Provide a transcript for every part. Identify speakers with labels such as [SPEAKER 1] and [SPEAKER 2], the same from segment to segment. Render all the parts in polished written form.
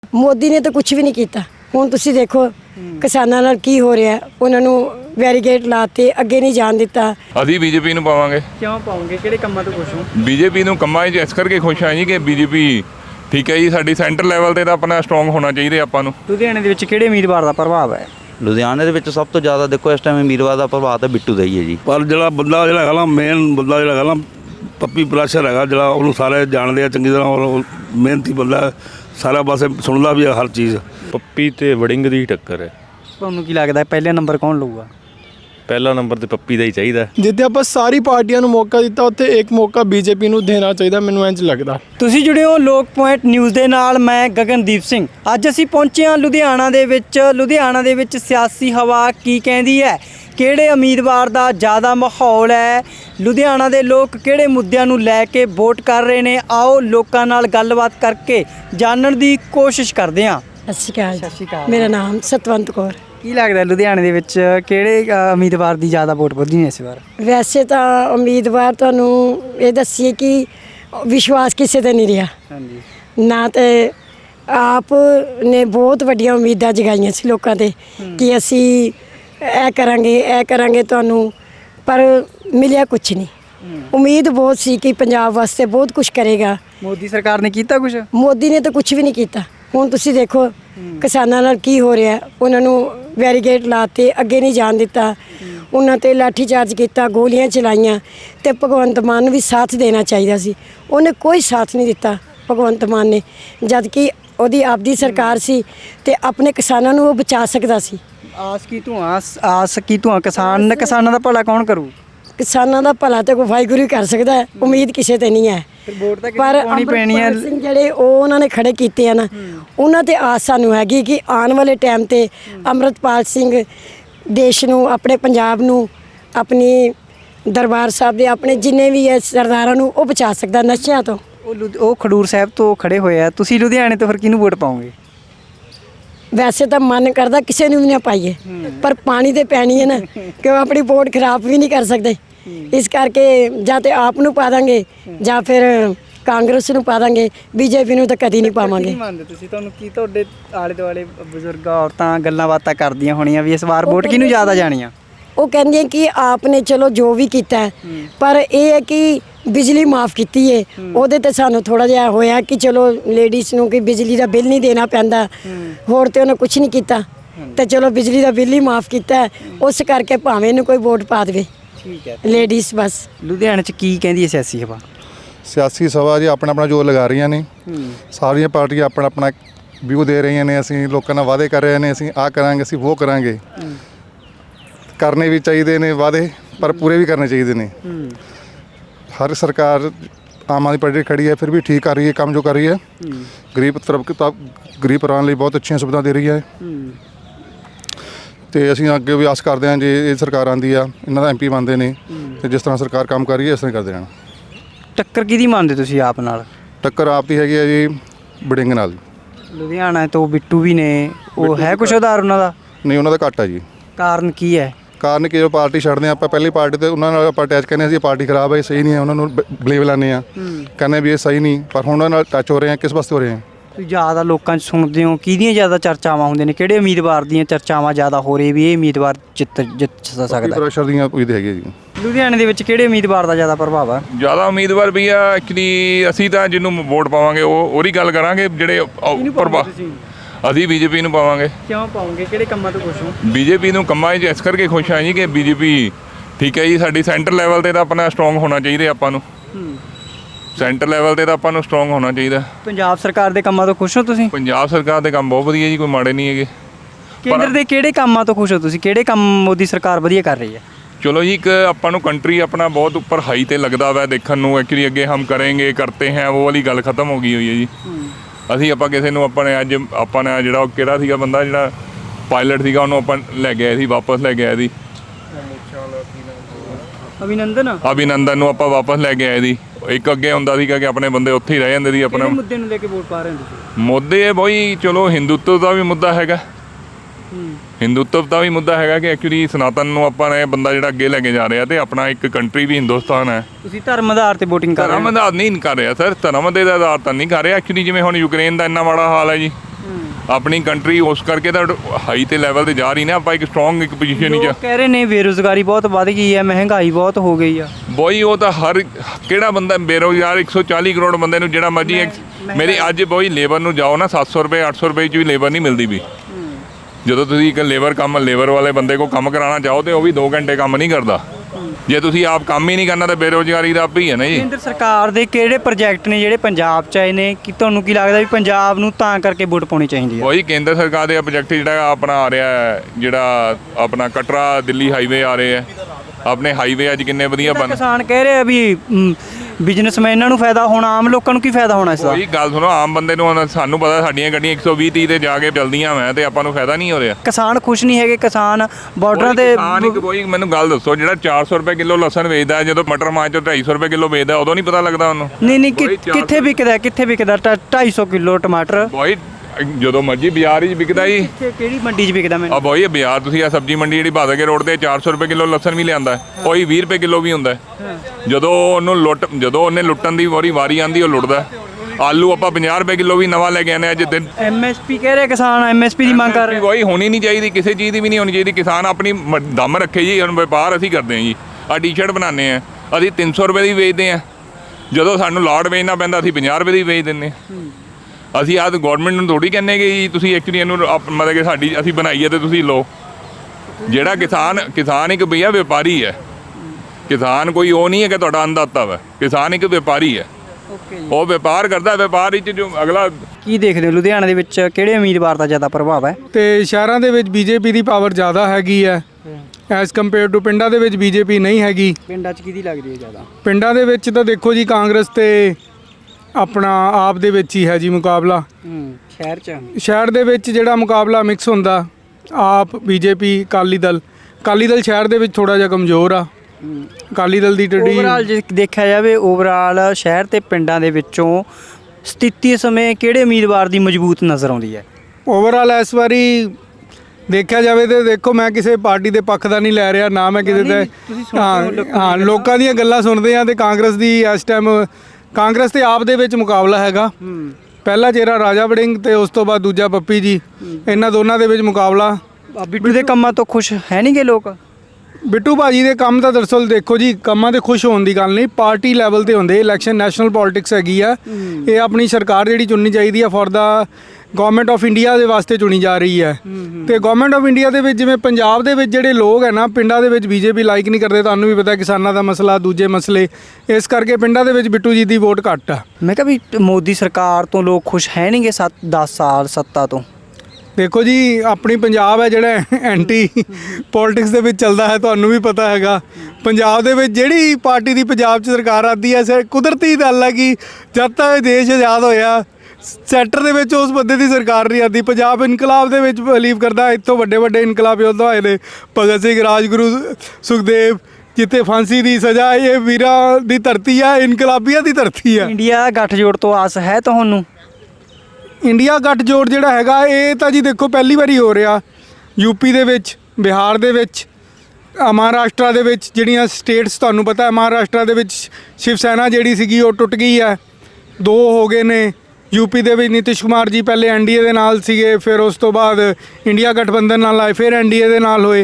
[SPEAKER 1] ਮੋਦੀ ਨੇ ਤਾਂ ਕੁਝ ਵੀ ਨਹੀਂ ਕੀਤਾ। ਹੁਣ ਤੁਸੀਂ ਦੇਖੋ ਕਿਸਾਨਾਂ ਨਾਲ ਕੀ ਹੋ ਰਿਹਾ, ਉਹਨਾਂ ਨੂੰ ਬੈਰੀਕੇਡ ਲਾਤੇ, ਅੱਗੇ ਨਹੀਂ ਜਾਣ ਦਿੱਤਾ।
[SPEAKER 2] ਅਸੀਂ ਬੀਜੇਪੀ ਨੂੰ ਪਾਵਾਂਗੇ।
[SPEAKER 3] ਕਿਉਂ ਪਾਉਂਗੇ? ਕਿਹੜੇ ਕੰਮਾਂ ਤੋਂ ਖੁਸ਼ ਹੋ?
[SPEAKER 2] ਬੀਜੇਪੀ ਨੂੰ ਕੰਮਾਂ 'ਚ ਇਸ ਕਰਕੇ ਖੁਸ਼ ਹਾਂ ਜੀ ਕਿ ਬੀਜੇਪੀ ਠੀਕ ਹੈ ਜੀ, ਸਾਡੀ ਸੈਂਟਰ ਲੈਵਲ ਤੇ ਤਾਂ ਆਪਣਾ ਸਟਰੋਂਗ ਹੋਣਾ ਚਾਹੀਦਾ ਆਪਾਂ ਨੂੰ।
[SPEAKER 3] ਲੁਧਿਆਣੇ ਦੇ ਵਿੱਚ ਕਿਹੜੇ ਉਮੀਦਵਾਰ ਦਾ ਪ੍ਰਭਾਵ ਹੈ?
[SPEAKER 4] ਲੁਧਿਆਣੇ ਦੇ ਵਿੱਚ ਸਭ ਤੋਂ ਜ਼ਿਆਦਾ ਦੇਖੋ ਇਸ ਟਾਈਮ ਉਮੀਦਵਾਰ ਦਾ ਪ੍ਰਭਾਵ ਤਾਂ ਬਿੱਟੂ ਦਾ ਹੀ ਹੈ ਜੀ।
[SPEAKER 5] ਪਰ ਜਿਹੜਾ ਬੰਦਾ ਜਿਹੜਾ ਹੈਗਾ ਨਾ, ਮੇਨ ਬੰਦਾ ਜਿਹੜਾ ਹੈਗਾ ਨਾ, ਪੱਪੀ ਪ੍ਰੈਸ਼ਰ ਹੈਗਾ, ਜਿਹੜਾ ਉਹਨੂੰ ਸਾਰੇ ਜਾਣਦੇ ਆ ਚੰਗੀ ਤਰ੍ਹਾਂ, ਔਰ ਉਹ ਮਿਹਨਤੀ ਬੰਦਾ, ਸਾਰਾ ਪਾਸੇ ਸੁਣਦਾ ਵੀ ਹੈ ਹਰ ਚੀਜ਼।
[SPEAKER 6] ਪੱਪੀ ਤੇ ਵੜਿੰਗ ਦੀ ਟੱਕਰ ਹੈ।
[SPEAKER 3] ਤੁਹਾਨੂੰ ਕੀ ਲੱਗਦਾ ਪਹਿਲੇ ਨੰਬਰ ਕੌਣ ਲਊਗਾ?
[SPEAKER 6] ਪਹਿਲਾ ਨੰਬਰ ਤੇ ਪੱਪੀ ਦਾ ਹੀ ਚਾਹੀਦਾ।
[SPEAKER 7] ਜਿੱਥੇ ਆਪਾਂ ਸਾਰੀ ਪਾਰਟੀਆਂ ਨੂੰ ਮੌਕਾ ਦਿੱਤਾ, ਉੱਥੇ ਇੱਕ ਮੌਕਾ ਬੀਜੇਪੀ ਨੂੰ ਦੇਣਾ ਚਾਹੀਦਾ, ਮੈਨੂੰ ਇੰਝ ਲੱਗਦਾ।
[SPEAKER 3] ਤੁਸੀਂ ਜੁੜੇ ਹੋ ਲੋਕ ਪੁਆਇੰਟ ਨਿਊਜ਼ ਦੇ ਨਾਲ। ਮੈਂ ਗਗਨਦੀਪ ਸਿੰਘ। ਅੱਜ ਅਸੀਂ ਪਹੁੰਚੇ ਹਾਂ ਲੁਧਿਆਣਾ ਦੇ ਵਿੱਚ। ਲੁਧਿਆਣਾ ਦੇ ਵਿੱਚ ਸਿਆਸੀ ਹਵਾ ਕੀ ਕਹਿੰਦੀ ਹੈ, ਕਿਹੜੇ ਉਮੀਦਵਾਰ ਦਾ ਜ਼ਿਆਦਾ ਮਾਹੌਲ ਹੈ, ਲੁਧਿਆਣਾ ਦੇ ਲੋਕ ਕਿਹੜੇ ਮੁੱਦਿਆਂ ਨੂੰ ਲੈ ਕੇ ਵੋਟ ਕਰ ਰਹੇ ਨੇ, ਆਓ ਲੋਕਾਂ ਨਾਲ ਗੱਲਬਾਤ ਕਰਕੇ ਜਾਣਨ ਦੀ ਕੋਸ਼ਿਸ਼ ਕਰਦੇ ਹਾਂ।
[SPEAKER 1] ਸਤਿ ਸ਼੍ਰੀ ਅਕਾਲ।
[SPEAKER 3] ਸਤਿ ਸ਼੍ਰੀ ਅਕਾਲ।
[SPEAKER 1] ਮੇਰਾ ਨਾਮ ਸਤਵੰਤ ਕੌਰ।
[SPEAKER 3] ਕੀ ਲੱਗਦਾ ਲੁਧਿਆਣੇ ਦੇ ਵਿੱਚ ਕਿਹੜੇ ਉਮੀਦਵਾਰ ਦੀ ਜ਼ਿਆਦਾ ਵੋਟ ਵਧੀ ਹੈ ਇਸ ਵਾਰ?
[SPEAKER 1] ਵੈਸੇ ਤਾਂ ਉਮੀਦਵਾਰ ਤੁਹਾਨੂੰ ਇਹ ਦੱਸੀਏ ਕਿ ਵਿਸ਼ਵਾਸ ਕਿਸੇ ਤੇ ਨਹੀਂ ਰਿਹਾ।
[SPEAKER 3] ਹਾਂਜੀ।
[SPEAKER 1] ਨਾ ਤੇ ਆਪ ਨੇ ਬਹੁਤ ਵੱਡੀਆਂ ਉਮੀਦਾਂ ਜਗਾਈਆਂ ਸੀ ਲੋਕਾਂ ਤੇ ਕਿ ਅਸੀਂ ਇਹ ਕਰਾਂਗੇ ਤੁਹਾਨੂੰ, ਪਰ ਮਿਲਿਆ ਕੁਝ ਨਹੀਂ। ਉਮੀਦ ਬਹੁਤ ਸੀ ਕਿ ਪੰਜਾਬ ਵਾਸਤੇ ਬਹੁਤ ਕੁਝ ਕਰੇਗਾ।
[SPEAKER 3] ਮੋਦੀ ਸਰਕਾਰ ਨੇ ਕੀਤਾ ਕੁਝ?
[SPEAKER 1] ਮੋਦੀ ਨੇ ਤਾਂ ਕੁਝ ਵੀ ਨਹੀਂ ਕੀਤਾ। ਹੁਣ ਤੁਸੀਂ ਦੇਖੋ ਕਿਸਾਨਾਂ ਨਾਲ ਕੀ ਹੋ ਰਿਹਾ, ਉਹਨਾਂ ਨੂੰ ਬੈਰੀਕੇਡ ਲਾਤੇ, ਅੱਗੇ ਨਹੀਂ ਜਾਣ ਦਿੱਤਾ, ਉਹਨਾਂ ਤੇ ਲਾਠੀ ਚਾਰਜ ਕੀਤਾ, ਗੋਲੀਆਂ ਚਲਾਈਆਂ। ਤੇ ਭਗਵੰਤ ਮਾਨ ਨੂੰ ਵੀ ਸਾਥ ਦੇਣਾ ਚਾਹੀਦਾ ਸੀ, ਉਹਨੇ ਕੋਈ ਸਾਥ ਨਹੀਂ ਦਿੱਤਾ ਭਗਵੰਤ ਮਾਨ ਨੇ, ਜਦ ਕਿ ਉਹਦੀ ਆਪਦੀ ਸਰਕਾਰ ਸੀ ਤੇ ਆਪਣੇ ਕਿਸਾਨਾਂ ਨੂੰ ਉਹ ਬਚਾ ਸਕਦਾ ਸੀ।
[SPEAKER 3] ਆਸ ਕੀ ਧੂਆਂ ਕਿਸਾਨਾਂ ਦਾ ਭਲਾ ਕੌਣ ਕਰੂ?
[SPEAKER 1] ਕਿਸਾਨਾਂ ਦਾ ਭਲਾ ਤੇ ਕੋਈ ਵਾਹਿਗੁਰੂ ਹੀ ਕਰ ਸਕਦਾ ਹੈ, ਉਮੀਦ ਕਿਸੇ ਤੇ ਨਹੀਂ ਹੈ। ਪਰ ਅੰਮ੍ਰਿਤਪਾਲ ਸਿੰਘ ਜਿਹੜੇ ਉਹਨਾਂ ਨੇ ਖੜੇ ਕੀਤੇ ਆ ਨਾ, ਉਹਨਾਂ ਤੇ ਆਸ ਸਾਨੂੰ ਹੈਗੀ ਕਿ ਆਉਣ ਵਾਲੇ ਟਾਈਮ ਤੇ ਅੰਮ੍ਰਿਤਪਾਲ ਸਿੰਘ ਦੇਸ਼ ਨੂੰ, ਆਪਣੇ ਪੰਜਾਬ ਨੂੰ, ਆਪਣੀ ਦਰਬਾਰ ਸਾਹਿਬ ਦੇ ਆਪਣੇ ਜਿੰਨੇ ਵੀ ਹੈ ਸਰਦਾਰਾਂ ਨੂੰ ਉਹ ਬਚਾ ਸਕਦਾ ਨਸ਼ਿਆਂ ਤੋਂ।
[SPEAKER 3] ਉਹ ਖਡੂਰ ਸਾਹਿਬ ਤੋਂ ਖੜੇ ਹੋਏ ਆ, ਤੁਸੀਂ ਲੁਧਿਆਣੇ ਤੋਂ ਫਿਰ ਕਿਹਨੂੰ ਵੋਟ ਪਾਓਗੇ?
[SPEAKER 1] ਵੈਸੇ ਤਾਂ ਮਨ ਕਰਦਾ ਕਿਸੇ ਨੂੰ ਵੀ ਨਾ ਪਾਈਏ, ਪਰ ਪਾਣੀ ਤੇ ਪੈਣੀ ਹੈ ਨਾ, ਕਿ ਉਹ ਆਪਣੀ ਵੋਟ ਖਰਾਬ ਵੀ ਨਹੀਂ ਕਰ ਸਕਦੇ। ਇਸ ਕਰਕੇ ਜਾਂ ਤੇ ਆਪ ਨੂੰ ਪਾ ਦਾਂਗੇ ਜਾਂ ਫਿਰ ਕਾਂਗਰਸ ਨੂੰ ਪਾ ਦਾਂਗੇ, ਬੀਜੇਪੀ ਨੂੰ ਤਾਂ ਕਦੀ ਨਹੀਂ ਪਾਵਾਂਗੇ।
[SPEAKER 3] ਕੀ ਮੰਨਦੇ ਤੁਸੀਂ? ਤੁਹਾਨੂੰ ਕੀ ਤੁਹਾਡੇ ਆਲੇ ਦੁਆਲੇ ਬਜ਼ੁਰਗ ਔਰਤਾਂ ਗੱਲਾਂ ਬਾਤਾਂ ਕਰਦੀਆਂ ਹੋਣੀਆਂ ਵੀ ਇਸ ਵਾਰ ਵੋਟ ਕਿਹਨੂੰ ਜ਼ਿਆਦਾ ਜਾਣੀ ਆ?
[SPEAKER 1] ਉਹ ਕਹਿੰਦੀਆਂ ਕਿ ਆਪ ਨੇ ਚਲੋ ਜੋ ਵੀ ਕੀਤਾ ਹੈ, ਪਰ ਇਹ ਹੈ ਕਿ ਬਿਜਲੀ ਮਾਫ ਕੀਤੀ ਹੈ, ਉਹਦੇ ਤੇ ਸਾਨੂੰ ਥੋੜਾ ਜਿਹਾ ਹੋਇਆ ਕਿ ਚਲੋ ਲੇਡੀਜ਼ ਨੂੰ ਕਿ ਬਿਜਲੀ ਦਾ ਬਿੱਲ ਨਹੀਂ ਦੇਣਾ ਪੈਂਦਾ, ਹੋਰ ਤੇ ਉਹਨੇ ਕੁਝ ਨਹੀਂ ਕੀਤਾ, ਤੇ ਚਲੋ ਬਿਜਲੀ ਦਾ ਬਿੱਲ ਹੀ ਮਾਫ ਕੀਤਾ, ਉਸ ਕਰਕੇ ਭਾਵੇਂ ਇਹਨੂੰ ਕੋਈ ਵੋਟ ਪਾ ਦੇਵੇ।
[SPEAKER 3] ਠੀਕ ਹੈ।
[SPEAKER 1] ਲੇਡੀਜ਼ ਬਸ।
[SPEAKER 3] ਲੁਧਿਆਣੇ 'ਚ ਕੀ ਕਹਿੰਦੀ ਹੈ ਸਿਆਸੀ ਹਵਾ?
[SPEAKER 8] ਸਿਆਸੀ ਸਭਾ ਜੀ ਆਪਣਾ ਜ਼ੋਰ ਲਗਾ ਰਹੀਆਂ ਨੇ। ਸਾਰੀਆਂ ਪਾਰਟੀਆਂ ਆਪਣਾ ਵਿਊ ਦੇ ਰਹੀਆਂ ਨੇ। ਅਸੀਂ ਲੋਕਾਂ ਨਾਲ ਵਾਅਦੇ ਕਰ ਰਹੇ ਨੇ, ਅਸੀਂ ਆਹ ਕਰਾਂਗੇ, ਅਸੀਂ ਉਹ ਕਰਾਂਗੇ। ਕਰਨੇ ਵੀ ਚਾਹੀਦੇ ਨੇ ਵਾਅਦੇ, ਪਰ ਪੂਰੇ ਵੀ ਕਰਨੇ ਚਾਹੀਦੇ ਨੇ। ਹਰ ਸਰਕਾਰ ਆਮ ਆਦਮੀ ਪਾਰਟੀ ਖੜੀ ਹੈ, ਫਿਰ ਵੀ ਠੀਕ ਕਰ ਰਹੀ ਹੈ ਕੰਮ ਜੋ ਕਰ ਰਹੀ ਹੈ। ਗਰੀਬ ਪਰਿਵਾਰਾਂ ਲਈ ਬਹੁਤ ਅੱਛੀਆਂ ਸੁਵਿਧਾ ਦੇ ਰਹੀ ਹੈ। ਤੇ ਅਸੀਂ ਅੱਗੇ ਵੀ ਆਸ ਕਰਦੇ ਹਾਂ ਜੇ ਇਹ ਸਰਕਾਰ ਆਉਂਦੀ ਆ, ਇਹਨਾਂ ਦਾ ਐਮਪੀ ਬਣਦੇ ਨੇ, ਤੇ ਜਿਸ ਤਰ੍ਹਾਂ ਸਰਕਾਰ ਕੰਮ ਕਰ ਰਹੀ ਹੈ ਇਸ ਤਰ੍ਹਾਂ ਕਰਦੇ ਰਹਿਣਾ।
[SPEAKER 3] ਟੱਕਰ ਕਿਹਦੀ ਮੰਨਦੇ ਤੁਸੀਂ ਆਪ ਨਾਲ?
[SPEAKER 8] ਟੱਕਰ ਆਪ ਦੀ ਹੈਗੀ ਹੈ ਜੀ ਵੜਿੰਗ ਨਾਲ।
[SPEAKER 3] ਲੁਧਿਆਣਾ ਤੋਂ ਬਿੱਟੂ ਵੀ ਨੇ, ਉਹ ਹੈ ਕੁਛ ਉਧਾਰ ਉਹਨਾਂ ਦਾ?
[SPEAKER 8] ਨਹੀਂ, ਉਹਨਾਂ ਦਾ ਘੱਟ ਹੈ ਜੀ।
[SPEAKER 3] ਕਾਰਨ ਕੀ ਹੈ?
[SPEAKER 8] ਕਾਰਨ ਕਿ ਜੋ ਪਾਰਟੀ ਛੱਡਦੇ ਆਪਾਂ ਪਹਿਲੀ ਪਾਰਟੀ ਤੇ ਉਹਨਾਂ ਨਾਲ ਆਪਾਂ ਅਟੈਚ ਕਹਿੰਦੇ ਅਸੀਂ ਪਾਰਟੀ ਖਰਾਬ ਹੈ, ਸਹੀ ਨਹੀਂ ਹੈ, ਉਹਨਾਂ ਨੂੰ ਬਲੇਮ ਲਾਉਂਦੇ ਆ, ਕਹਿੰਦੇ ਵੀ ਇਹ ਸਹੀ ਨਹੀਂ, ਪਰ ਹੁਣ ਉਹਨਾਂ ਨਾਲ ਟੱਚ ਹੋ ਰਹੇ ਆ। ਕਿਸ ਵਾਸਤੇ ਹੋ ਰਹੇ ਆ?
[SPEAKER 3] ਤੁਸੀਂ ਜ਼ਿਆਦਾ ਲੋਕਾਂ 'ਚ ਸੁਣਦੇ ਹੋ, ਕਿਹਦੀਆਂ ਜ਼ਿਆਦਾ ਚਰਚਾਵਾਂ ਹੁੰਦੀਆਂ ਨੇ, ਕਿਹੜੇ ਉਮੀਦਵਾਰ ਦੀਆਂ ਚਰਚਾਵਾਂ ਜ਼ਿਆਦਾ ਹੋ ਰਹੀ ਵੀ ਇਹ ਉਮੀਦਵਾਰ ਜਿੱਤ ਸਕਦਾ?
[SPEAKER 8] ਪ੍ਰੈਸ਼ਰ ਦੀਆਂ ਉਮੀਦ ਹੈਗੀ ਜੀ।
[SPEAKER 3] ਲੁਧਿਆਣੇ ਦੇ ਵਿੱਚ ਕਿਹੜੇ ਉਮੀਦਵਾਰ ਦਾ ਜ਼ਿਆਦਾ ਪ੍ਰਭਾਵ ਆ?
[SPEAKER 2] ਜ਼ਿਆਦਾ ਉਮੀਦਵਾਰ ਵੀ ਆ ਐਕਚੁਅਲੀ ਅਸੀਂ ਤਾਂ ਜਿਹਨੂੰ ਵੋਟ ਪਾਵਾਂਗੇ ਉਹਦੀ ਗੱਲ ਕਰਾਂਗੇ। ਜਿਹੜੇ ਅਸੀਂ ਬੀਜੇਪੀ ਨੂੰ ਪਾਵਾਂਗੇ।
[SPEAKER 3] ਕਿਉਂ ਪਾਉਂਗੇ? ਕਿਹੜੇ ਕੰਮਾਂ ਤੋਂ ਖੁਸ਼ ਹੋ?
[SPEAKER 2] ਬੀਜੇਪੀ ਨੂੰ ਕੰਮਾਂ 'ਚ ਇਸ ਕਰਕੇ ਖੁਸ਼ ਹਾਂ ਜੀ ਕਿ ਬੀਜੇਪੀ ਠੀਕ ਹੈ ਜੀ, ਸਾਡੀ ਸੈਂਟਰ ਲੈਵਲ ਤੇ ਤਾਂ ਆਪਣਾ ਸਟਰੋਂਗ ਹੋਣਾ ਚਾਹੀਦਾ ਆਪਾਂ ਨੂੰ। ਸੈਂਟਰ ਲੈਵਲ ਤੇ ਤਾਂ ਆਪਾਂ ਨੂੰ ਸਟਰੋਂਗ ਹੋਣਾ ਚਾਹੀਦਾ।
[SPEAKER 3] ਪੰਜਾਬ ਸਰਕਾਰ ਦੇ ਕੰਮਾਂ ਤੋਂ ਖੁਸ਼ ਹੋ ਤੁਸੀਂ?
[SPEAKER 2] ਪੰਜਾਬ ਸਰਕਾਰ ਦੇ ਕੰਮ ਬਹੁਤ ਵਧੀਆ ਜੀ, ਕੋਈ ਮਾੜੇ ਨਹੀਂ ਹੈਗੇ।
[SPEAKER 3] ਕੇਂਦਰ ਦੇ ਕਿਹੜੇ ਕੰਮਾਂ ਤੋਂ ਖੁਸ਼ ਹੋ ਤੁਸੀਂ? ਕਿਹੜੇ ਕੰਮ ਮੋਦੀ ਸਰਕਾਰ ਵਧੀਆ ਕਰ ਰਹੀ ਹੈ?
[SPEAKER 2] ਚਲੋ ਜੀ, ਇੱਕ ਆਪਾਂ ਨੂੰ ਕੰਟਰੀ ਆਪਣਾ ਬਹੁਤ ਉੱਪਰ ਹਾਈ ਤੇ ਲੱਗਦਾ ਵਾ ਦੇਖਣ ਨੂੰ। ਐਕਚੁਅਲੀ ਅੱਗੇ ਹਮ ਕਰੇਂਗੇ ਕਰਤੇ ਹੈ ਉਹ ਵਾਲੀ ਗੱਲ ਖਤਮ ਹੋ ਗਈ ਹੋਈ ਹੈ ਜੀ। ਅਸੀਂ ਆਪਾਂ ਕਿਸੇ ਨੂੰ ਆਪਾਂ ਨੇ ਜਿਹੜਾ ਉਹ ਕਿਹੜਾ ਸੀਗਾ ਬੰਦਾ ਜਿਹੜਾ ਪਾਇਲਟ ਸੀਗਾ, ਉਹਨੂੰ ਆਪਾਂ ਲੈ ਕੇ ਆਏ ਸੀ, ਵਾਪਸ ਲੈ ਕੇ ਆਏ ਸੀ। ਅਭਿਨੰਦਨ ਨੂੰ ਆਪਾਂ ਵਾਪਸ ਲੈ ਕੇ ਆਏ ਸੀ। ਇੱਕ ਅੱਗੇ ਹੁੰਦਾ ਸੀਗਾ ਕਿ ਆਪਣੇ ਬੰਦੇ ਉੱਥੇ ਹੀ ਰਹਿ ਜਾਂਦੇ ਸੀ। ਆਪਣੇ
[SPEAKER 3] ਮੁੱਦੇ ਨੂੰ ਲੈ ਕੇ ਵੋਟ ਪਾ ਰਹੇ ਹੋ ਤੁਸੀਂ?
[SPEAKER 2] ਮੁੱਦੇ ਬਈ ਚਲੋ ਹਿੰਦੂਤਵ ਦਾ ਵੀ ਮੁੱਦਾ ਹੈਗਾ। ਹਿੰਦੂਤਵ ਦਾ ਵੀ ਮੁੱਦਾ ਹੈਗਾ ਕਿ ਐਕਚੁਅਲੀ ਸਨਾਤਨ ਨੂੰ ਆਪਾਂ ਨੇ ਬੰਦਾ ਜਿਹੜਾ ਅੱਗੇ ਲੈ ਕੇ ਜਾ ਰਿਹਾ, ਤੇ ਆਪਣਾ ਇੱਕ ਕੰਟਰੀ ਵੀ ਹਿੰਦੁਸਤਾਨ ਹੈ।
[SPEAKER 3] ਤੁਸੀਂ ਧਰਮ ਆਧਾਰ ਤੇ ਵੋਟਿੰਗ ਕਰ ਰਹੇ ਹੋ?
[SPEAKER 2] ਧਰਮ ਆਧਾਰ ਨਹੀਂ ਕਰ ਰਿਹਾ ਸਰ, ਧਰਮ ਦੇ ਆਧਾਰ ਤਾਂ ਨਹੀਂ ਕਰ ਰਿਹਾ। ਐਕਚੁਅਲੀ ਜਿਵੇਂ ਹੁਣ ਯੂਕਰੇਨ ਦਾ ਇੰਨਾ ਮਾੜਾ ਹਾਲ ਹੈ ਜੀ, ਆਪਣੀ ਕੰਟਰੀ ਉਸ ਕਰਕੇ ਤਾਂ ਹਾਈ ਤੇ ਲੈਵਲ ਤੇ ਜਾ ਰਹੀ ਨਾ, ਆਪਾਂ ਇੱਕ ਸਟਰੋਂਗ ਇੱਕ ਪੋਜੀਸ਼ਨ
[SPEAKER 3] ਲੋਕ ਕਹਿ ਰਹੇ ਨੇ ਬੇਰੁਜ਼ਗਾਰੀ ਬਹੁਤ ਵੱਧ ਗਈ ਹੈ, ਮਹਿੰਗਾਈ ਬਹੁਤ ਹੋ ਗਈ ਆ।
[SPEAKER 2] ਬੋਈ ਉਹ ਤਾਂ ਹਰ ਕਿਹੜਾ ਬੰਦਾ ਬੇਰੁਜ਼ਗਾਰ 140 ਕਰੋੜ ਬੰਦੇ ਨੂੰ ਜਿਹੜਾ ਮਰਜੀ ਮੇਰੀ ਅੱਜ ਬੋਈ ਲੇਬਰ ਨੂੰ ਜਾਓ ਨਾ 700 ਰੁਪਏ 800 ਰੁਪਏ 'ਚ ਵੀ ਲੇਬਰ ਨਹੀਂ ਮਿਲਦੀ ਵੀ। ਜਦੋਂ ਤੁਸੀਂ ਇੱਕ ਲੇਬਰ ਵਾਲੇ ਬੰਦੇ ਕੋ ਕੰਮ ਕਰਾਉਣਾ ਚਾਹੋ ਤੇ ਉਹ ਵੀ 2 ਘੰਟੇ ਕੰਮ ਨਹੀਂ ਕਰਦਾ। ਜੇ ਤੁਸੀਂ ਆਪ ਕੰਮ ਹੀ ਨਹੀਂ ਕਰਨਾ ਤਾਂ ਬੇਰੁਜ਼ਗਾਰੀ ਦਾ ਆਪ ਹੀ ਹੈ ਨਾ ਜੀ।
[SPEAKER 3] ਕੇਂਦਰ ਸਰਕਾਰ ਦੇ ਕਿਹੜੇ ਪ੍ਰੋਜੈਕਟ ਨੇ ਜਿਹੜੇ ਪੰਜਾਬ 'ਚ ਆਏ ਨੇ, ਕਿ ਤੁਹਾਨੂੰ ਕੀ ਲੱਗਦਾ ਵੀ ਪੰਜਾਬ ਨੂੰ ਤਾਂ ਕਰਕੇ ਵੋਟ ਪਾਉਣੀ ਚਾਹੀਦੀ ਹੈ?
[SPEAKER 2] ਉਹੀ ਕੇਂਦਰ ਸਰਕਾਰ ਦੇ ਪ੍ਰੋਜੈਕਟ ਜਿਹੜਾ ਆਪਣਾ ਆ ਰਿਹਾ ਹੈ, ਜਿਹੜਾ ਆਪਣਾ ਕਟਰਾ ਦਿੱਲੀ ਹਾਈਵੇ ਆ ਰਹੇ ਹੈ, ਆਪਣੇ ਹਾਈਵੇ ਅੱਜ ਕਿੰਨੇ ਵਧੀਆ ਬਣ।
[SPEAKER 3] ਕਿਸਾਨ ਕਹਿ ਰਹੇ ਆ ਵੀ ਬਿਜ਼ਨਸਮੈਨਾਂ ਨੂੰ ਫਾਇਦਾ ਹੋਣਾ, ਆਮ ਲੋਕਾਂ ਨੂੰ ਕੀ ਫਾਇਦਾ ਹੋਣਾ ਇਸ ਦਾ?
[SPEAKER 2] ਉਹੀ ਗੱਲ ਸੁਣੋ, ਆਮ ਬੰਦੇ ਨੂੰ ਹੁਣ ਸਾਨੂੰ ਪਤਾ ਸਾਡੀਆਂ ਗੱਡੀਆਂ 120-30 ਤੇ ਜਾ ਕੇ ਚਲਦੀਆਂ ਮੈਂ ਤੇ ਆਪਾਂ ਨੂੰ ਫਾਇਦਾ ਨਹੀਂ ਹੋ ਰਿਹਾ।
[SPEAKER 3] ਕਿਸਾਨ ਖੁਸ਼ ਨਹੀਂ ਹੈਗੇ, ਕਿਸਾਨ ਬਾਰਡਰਾਂ ਤੇ
[SPEAKER 2] ਕਿਸਾਨ ਇੱਕ ਕੋਈ ਮੈਨੂੰ ਗੱਲ ਦੱਸੋ, ਜਿਹੜਾ 400 ਰੁਪਏ ਕਿਲੋ ਲਸਣ ਵੇਚਦਾ ਹੈ, ਜਦੋਂ ਮਟਰ ਮਾਰ ਚੋਂ 250 ਰੁਪਏ ਕਿਲੋ ਵੇਚਦਾ ਉਦੋਂ ਨਹੀਂ ਪਤਾ ਲੱਗਦਾ ਉਹਨੂੰ?
[SPEAKER 3] ਨਹੀਂ ਕਿੱਥੇ ਵਿਕਦਾ 250 ਕਿਲੋ ਟਮਾਟਰ
[SPEAKER 2] ਬੋਈ ਜਦੋਂ ਮਰਜੀ ਬਾਜ਼ਾਰ 'ਚ ਵਿਕਦਾ ਜੀ।
[SPEAKER 3] ਕਿਹੜੀ ਮੰਡੀ 'ਚ ਵਿਕਦਾ ਮੈਨੂੰ?
[SPEAKER 2] ਆ ਬੋਈ ਬਾਜ਼ਾਰ ਤੁਸੀਂ ਆ ਸਬਜ਼ੀ ਮੰਡੀ ਜਿਹੜੀ ਬਾਦਕੇ ਰੋਡ ਤੇ 400 ਰੁਪਏ ਕਿਲੋ ਲਸਣ ਵੀ ਲਿਆਂਦਾ, ਕੋਈ 20 ਰੁਪਏ ਕਿਲੋ ਵੀ ਹੁੰਦਾ। ਜਦੋਂ ਉਹਨੇ ਲੁੱਟਣ ਦੀ ਵਾਰੀ ਆਂਦੀ ਉਹ ਲੁੱਟਦਾ। ਆਲੂ ਆਪਾਂ 50 ਰੁਪਏ ਕਿਲੋ ਵੀ ਨਵਾਂ ਲੈ ਕੇ ਆਨੇ ਅੱਜ ਦਿਨ।
[SPEAKER 3] ਐਮਐਸਪੀ ਕਹਿ ਰਹੇ ਕਿਸਾਨ, ਐਮਐਸਪੀ ਦੀ ਮੰਗ ਕਰ ਰਹੇ।
[SPEAKER 2] ਬੋਈ ਹੋਣੀ ਨਹੀਂ ਚਾਹੀਦੀ, ਕਿਸੇ ਚੀਜ਼ ਦੀ ਵੀ ਨਹੀਂ ਹੋਣੀ ਚਾਹੀਦੀ। ਕਿਸਾਨ ਆਪਣੀ ਦਮ ਰੱਖੇ ਜੀ। ਹੁਣ ਵਪਾਰ ਅਸੀਂ ਕਰਦੇ ਹਾਂ ਜੀ, ਆ ਟੀ-ਸ਼ਰਟ ਬਣਾਉਂਦੇ ਹਾਂ ਅਸੀਂ 300 ਰੁਪਏ ਦੀ ਵੇਚਦੇ ਹਾਂ, ਜਦੋਂ ਸਾਨੂੰ ਲਾਟ ਵੇਚਣਾ ਪੈਂਦਾ ਅਸੀਂ 50 ਰੁਪਏ ਦੀ ਵੇਚ ਦਿੰਦੇ ਹਾਂ। ਅਸੀਂ ਆਹ ਗਵਰਨਮੈਂਟ ਨੂੰ ਥੋੜੀ ਕਹਿੰਦੇ ਕਿ ਜੀ ਤੁਸੀਂ ਐਕਚੁਅਲੀ ਇਹਨੂੰ ਮਤਲਬ ਕਿ ਸਾਡੀ ਅਸੀਂ ਬਣਾਈਏ ਤੇ ਤੁਸੀਂ ਲਓ। ਜਿਹੜਾ ਕਿਸਾਨ ਇੱਕ ਭਈਆ ਵਪਾਰੀ ਹੈ। ਕਿਸਾਨ ਕੋਈ ਉਹ ਨਹੀਂ ਹੈ ਕਿ ਤੁਹਾਡਾ ਅੰਨਦਾਤਾ ਵਾ, ਕਿਸਾਨ ਇੱਕ ਵਪਾਰੀ ਹੈ। ਉਹ ਵਪਾਰ ਕਰਦਾ, ਵਪਾਰ ਵਿੱਚ ਜੋ ਅਗਲਾ।
[SPEAKER 3] ਕੀ ਦੇਖਦੇ ਹੋ ਲੁਧਿਆਣਾ ਦੇ ਵਿੱਚ ਕਿਹੜੇ ਉਮੀਦਵਾਰ ਦਾ ਜ਼ਿਆਦਾ ਪ੍ਰਭਾਵ ਹੈ?
[SPEAKER 7] ਤੇ ਸ਼ਹਿਰਾਂ ਦੇ ਵਿੱਚ ਬੀਜੇਪੀ ਦੀ ਪਾਵਰ ਜ਼ਿਆਦਾ ਹੈਗੀ ਹੈ ਐਜ਼ ਕੰਪੇਅਰ ਟੂ ਪਿੰਡਾਂ ਦੇ ਵਿੱਚ ਬੀਜੇਪੀ ਨਹੀਂ ਹੈਗੀ।
[SPEAKER 3] ਪਿੰਡਾਂ 'ਚ ਕਿਹਦੀ ਲੱਗਦੀ ਹੈ ਜ਼ਿਆਦਾ?
[SPEAKER 7] ਪਿੰਡਾਂ ਦੇ ਵਿੱਚ ਤਾਂ ਦੇਖੋ ਜੀ ਕਾਂਗਰਸ ਤੇ ਆਪਣਾ ਆਪ ਦੇ ਵਿੱਚ ਹੀ ਹੈ ਜੀ ਮੁਕਾਬਲਾ। ਸ਼ਹਿਰ ਦੇ ਵਿੱਚ ਜਿਹੜਾ ਮੁਕਾਬਲਾ ਮਿਕਸ ਹੁੰਦਾ, ਆਪ ਬੀਜੇਪੀ ਅਕਾਲੀ ਦਲ ਸ਼ਹਿਰ ਦੇ ਵਿੱਚ ਥੋੜਾ ਜਿਹਾ ਕਮਜ਼ੋਰ ਆ। ਅਕਾਲੀ ਦਲ ਦੀ ਟੱਡੀ
[SPEAKER 3] ਓਵਰਆਲ ਜੇ ਦੇਖਿਆ ਜਾਵੇ, ਓਵਰਆਲ ਸ਼ਹਿਰ ਤੇ ਪਿੰਡਾਂ ਦੇ ਵਿੱਚੋਂ ਸਥਿਤੀ ਸਮੇਂ ਕਿਹੜੇ ਉਮੀਦਵਾਰ ਦੀ ਮਜ਼ਬੂਤ ਨਜ਼ਰ ਆਉਂਦੀ ਹੈ?
[SPEAKER 7] ਓਵਰਆਲ ਇਸ ਵਾਰੀ ਦੇਖਿਆ ਜਾਵੇ ਤੇ ਦੇਖੋ, ਮੈਂ ਕਿਸੇ ਪਾਰਟੀ ਦੇ ਪੱਖ ਦਾ ਨਹੀਂ ਲੈ ਰਿਹਾ, ਨਾ ਮੈਂ ਕਿਸੇ ਦਾ। ਹਾਂ, ਲੋਕਾਂ ਦੀਆਂ ਗੱਲਾਂ ਸੁਣਦੇ ਆ ਤੇ ਕਾਂਗਰਸ ਦੀ ਇਸ ਟਾਈਮ ਕਾਂਗਰਸ ਤੇ ਆਪ ਦੇ ਵਿੱਚ ਮੁਕਾਬਲਾ ਹੈਗਾ। ਪਹਿਲਾ ਚਿਹਰਾ ਰਾਜਾ ਵੜਿੰਗ ਤੇ ਉਸ ਤੋਂ ਬਾਅਦ ਦੂਜਾ ਪੱਪੀ ਜੀ, ਇਹਨਾਂ ਦੋਨਾਂ ਦੇ ਵਿੱਚ ਮੁਕਾਬਲਾ।
[SPEAKER 3] ਬਿੱਟੂ ਦੇ ਕੰਮਾਂ ਤੋਂ ਖੁਸ਼ ਹੈ ਨਹੀਂਗੇ ਲੋਕ?
[SPEAKER 7] ਬਿੱਟੂ ਭਾਜੀ ਦੇ ਕੰਮ ਤਾਂ ਦਰਅਸਲ ਦੇਖੋ ਜੀ, ਕੰਮਾਂ ਤੇ ਖੁਸ਼ ਹੋਣ ਦੀ ਗੱਲ ਨਹੀਂ, ਪਾਰਟੀ ਲੈਵਲ ਤੇ ਹੁੰਦੇ। ਇਲੈਕਸ਼ਨ ਨੈਸ਼ਨਲ ਪੋਲਿਟਿਕਸ ਹੈਗੀ ਆ, ਇਹ ਆਪਣੀ ਸਰਕਾਰ ਜਿਹੜੀ ਚੁਣਨੀ ਚਾਹੀਦੀ ਆ for the government of India ਦੇ ਵਾਸਤੇ ਚੁਣੀ ਜਾ ਰਹੀ ਹੈ। ਤੇ ਗਵਰਨਮੈਂਟ ਆਫ ਇੰਡੀਆ ਦੇ ਵਿੱਚ ਜਿਵੇਂ ਪੰਜਾਬ ਦੇ ਵਿੱਚ ਜਿਹੜੇ ਲੋਕ ਹੈ ਨਾ, ਪਿੰਡਾਂ ਦੇ ਵਿੱਚ ਬੀਜੇਪੀ ਲਾਈਕ ਨਹੀਂ ਕਰਦੇ। ਤੁਹਾਨੂੰ ਵੀ ਪਤਾ ਕਿਸਾਨਾਂ ਦਾ ਮਸਲਾ, ਦੂਜੇ ਮਸਲੇ, ਇਸ ਕਰਕੇ ਪਿੰਡਾਂ ਦੇ ਵਿੱਚ ਬਿੱਟੂ ਜੀ ਦੀ ਵੋਟ ਘੱਟ ਆ।
[SPEAKER 3] ਮੈਂ ਕਿਹਾ ਵੀ ਮੋਦੀ ਸਰਕਾਰ ਤੋਂ ਲੋਕ ਖੁਸ਼ ਹੈ ਨਹੀਂਗੇ 10 ਸਾਲ ਸੱਤਾ ਤੋਂ?
[SPEAKER 7] ਦੇਖੋ ਜੀ, ਆਪਣੀ ਪੰਜਾਬ ਹੈ ਜਿਹੜਾ ਐਂਟੀ ਪੋਲਿਟਿਕਸ ਦੇ ਵਿੱਚ ਚੱਲਦਾ ਹੈ, ਤੁਹਾਨੂੰ ਵੀ ਪਤਾ ਹੈਗਾ। ਪੰਜਾਬ ਦੇ ਵਿੱਚ ਜਿਹੜੀ ਪਾਰਟੀ ਦੀ ਪੰਜਾਬ 'ਚ ਸਰਕਾਰ ਆਉਂਦੀ ਹੈ, ਕੁਦਰਤੀ ਗੱਲ ਹੈ ਕਿ ਜਦ ਤੱਕ ਦੇਸ਼ ਆਜ਼ਾਦ ਹੋਇਆ ਸੈਕਟਰ ਦੇ ਵਿੱਚ ਉਸ ਬੰਦੇ ਦੀ ਸਰਕਾਰ ਨਹੀਂ ਆਉਂਦੀ। ਪੰਜਾਬ ਇਨਕਲਾਬ ਦੇ ਵਿੱਚ ਬਲੀਵ ਕਰਦਾ, ਇੱਥੋਂ ਵੱਡੇ ਇਨਕਲਾਬ ਯੋਧਾ ਹੋਏ ਨੇ, ਭਗਤ ਸਿੰਘ, ਰਾਜਗੁਰੂ, ਸੁਖਦੇਵ, ਜਿੱਥੇ ਫਾਂਸੀ ਦੀ ਸਜ਼ਾ। ਇਹ ਵੀਰਾਂ ਦੀ ਧਰਤੀ ਆ, ਇਨਕਲਾਬੀਆਂ ਦੀ ਧਰਤੀ ਆ।
[SPEAKER 3] ਇੰਡੀਆ ਗੱਠਜੋੜ ਤੋਂ ਆਸ ਹੈ ਤੁਹਾਨੂੰ?
[SPEAKER 7] ਇੰਡੀਆ ਗੱਠਜੋੜ ਜਿਹੜਾ ਹੈਗਾ, ਇਹ ਤਾਂ ਜੀ ਦੇਖੋ ਪਹਿਲੀ ਵਾਰੀ ਹੋ ਰਿਹਾ। ਯੂਪੀ ਦੇ ਵਿੱਚ, ਬਿਹਾਰ ਦੇ ਵਿੱਚ, ਮਹਾਰਾਸ਼ਟਰ ਦੇ ਵਿੱਚ, ਜਿਹੜੀਆਂ ਸਟੇਟਸ ਤੁਹਾਨੂੰ ਪਤਾ ਹੈ, ਮਹਾਰਾਸ਼ਟਰ ਦੇ ਵਿੱਚ ਸ਼ਿਵ ਸੈਨਾ ਜਿਹੜੀ ਸੀਗੀ ਉਹ ਟੁੱਟ ਗਈ ਹੈ, 2 ਹੋ ਗਏ ਨੇ। ਯੂਪੀ ਦੇ ਵਿੱਚ ਨਿਤਿਸ਼ ਕੁਮਾਰ ਜੀ ਪਹਿਲੇ ਐਨਡੀਏ ਦੇ ਨਾਲ ਸੀਗੇ, ਫਿਰ ਉਸ ਤੋਂ ਬਾਅਦ ਇੰਡੀਆ ਗਠਬੰਧਨ ਨਾਲ ਆਏ, ਫਿਰ ਐਨਡੀਏ ਦੇ ਨਾਲ ਹੋਏ।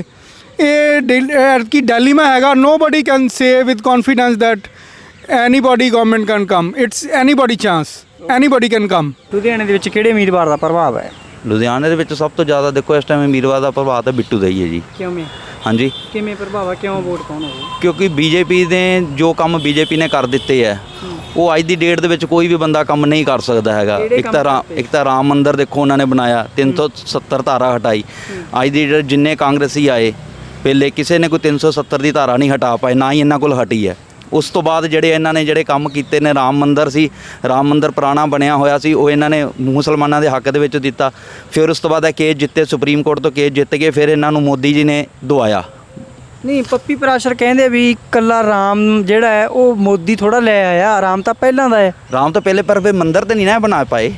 [SPEAKER 7] ਇਹ ਕੀ ਡੈਲੀਮਾ ਹੈਗਾ। Nobody can say with confidence that anybody government can come, it's anybody chance, anybody can come.
[SPEAKER 3] ਲੁਧਿਆਣੇ ਦੇ ਵਿੱਚ ਕਿਹੜੇ ਉਮੀਦਵਾਰ ਦਾ ਪ੍ਰਭਾਵ ਹੈ?
[SPEAKER 4] ਲੁਧਿਆਣੇ ਦੇ ਵਿੱਚ ਸਭ ਤੋਂ ਜ਼ਿਆਦਾ ਦੇਖੋ ਇਸ ਟਾਈਮ ਉਮੀਦਵਾਰ ਦਾ ਪ੍ਰਭਾਵ ਤਾਂ ਬਿੱਟੂ ਦਾ ਹੀ ਹੈ ਜੀ।
[SPEAKER 3] ਕਿਵੇਂ?
[SPEAKER 4] ਹਾਂਜੀ,
[SPEAKER 3] ਕਿਵੇਂ ਪ੍ਰਭਾਵ ਹੈ? ਕਿਉਂ ਵੋਟ ਪਾਉਣ ਹੋਵੇ?
[SPEAKER 4] ਕਿਉਂਕਿ ਬੀਜੇਪੀ ਨੇ ਜੋ ਕੰਮ ਬੀਜੇਪੀ ਨੇ ਕਰ ਦਿੱਤੇ ਹੈ, ਉਹ ਅੱਜ ਦੀ ਡੇਟ ਦੇ ਵਿੱਚ ਕੋਈ ਵੀ ਬੰਦਾ ਕੰਮ ਨਹੀਂ ਕਰ ਸਕਦਾ ਹੈਗਾ। ਇੱਕ ਤਾਂ ਰਾਮ ਮੰਦਿਰ ਦੇਖੋ ਉਹਨਾਂ ਨੇ ਬਣਾਇਆ, 370 ਧਾਰਾ ਹਟਾਈ। ਅੱਜ ਦੀ ਡੇਟ ਜਿੰਨੇ ਕਾਂਗਰਸੀ ਆਏ ਪਹਿਲੇ, ਕਿਸੇ ਨੇ ਕੋਈ 370 ਦੀ ਧਾਰਾ ਨਹੀਂ ਹਟਾ ਪਾਏ, ਨਾ ਹੀ ਇਹਨਾਂ ਕੋਲ ਹਟੀ ਹੈ। ਉਸ ਤੋਂ ਬਾਅਦ ਇਹਨਾਂ ਨੇ ਜਿਹੜੇ ਕੰਮ ਕੀਤੇ ਨੇ, ਰਾਮ ਮੰਦਿਰ ਸੀ, ਰਾਮ ਮੰਦਿਰ ਪੁਰਾਣਾ ਬਣਿਆ ਹੋਇਆ ਸੀ, ਉਹ ਇਹਨਾਂ ਨੇ ਮੁਸਲਮਾਨਾਂ ਦੇ ਹੱਕ ਦੇ ਵਿੱਚ ਦਿੱਤਾ। ਫਿਰ ਉਸ ਤੋਂ ਬਾਅਦ ਇਹ ਕੇਸ ਜਿੱਤੇ, ਸੁਪਰੀਮ ਕੋਰਟ ਤੋਂ ਕੇਸ ਜਿੱਤ ਗਏ, ਫਿਰ ਇਹਨਾਂ ਨੂੰ ਮੋਦੀ ਜੀ ਨੇ ਦਵਾਇਆ।
[SPEAKER 3] ਨਹੀਂ, ਪੱਪੀ ਪਰਾਸ਼ਰ ਕਹਿੰਦੇ ਵੀ ਇਕੱਲਾ ਰਾਮ ਜਿਹੜਾ ਹੈ ਉਹ ਮੋਦੀ ਥੋੜਾ ਲੈ ਆਇਆ, ਰਾਮ ਤਾਂ ਪਹਿਲਾਂ ਦਾ ਹੈ।
[SPEAKER 4] ਰਾਮ ਤੋਂ ਪਹਿਲੇ, ਪਰ ਫਿਰ ਮੰਦਿਰ ਤੇ ਨਹੀਂ ਨਾ ਬਣਾ ਪਾਏ।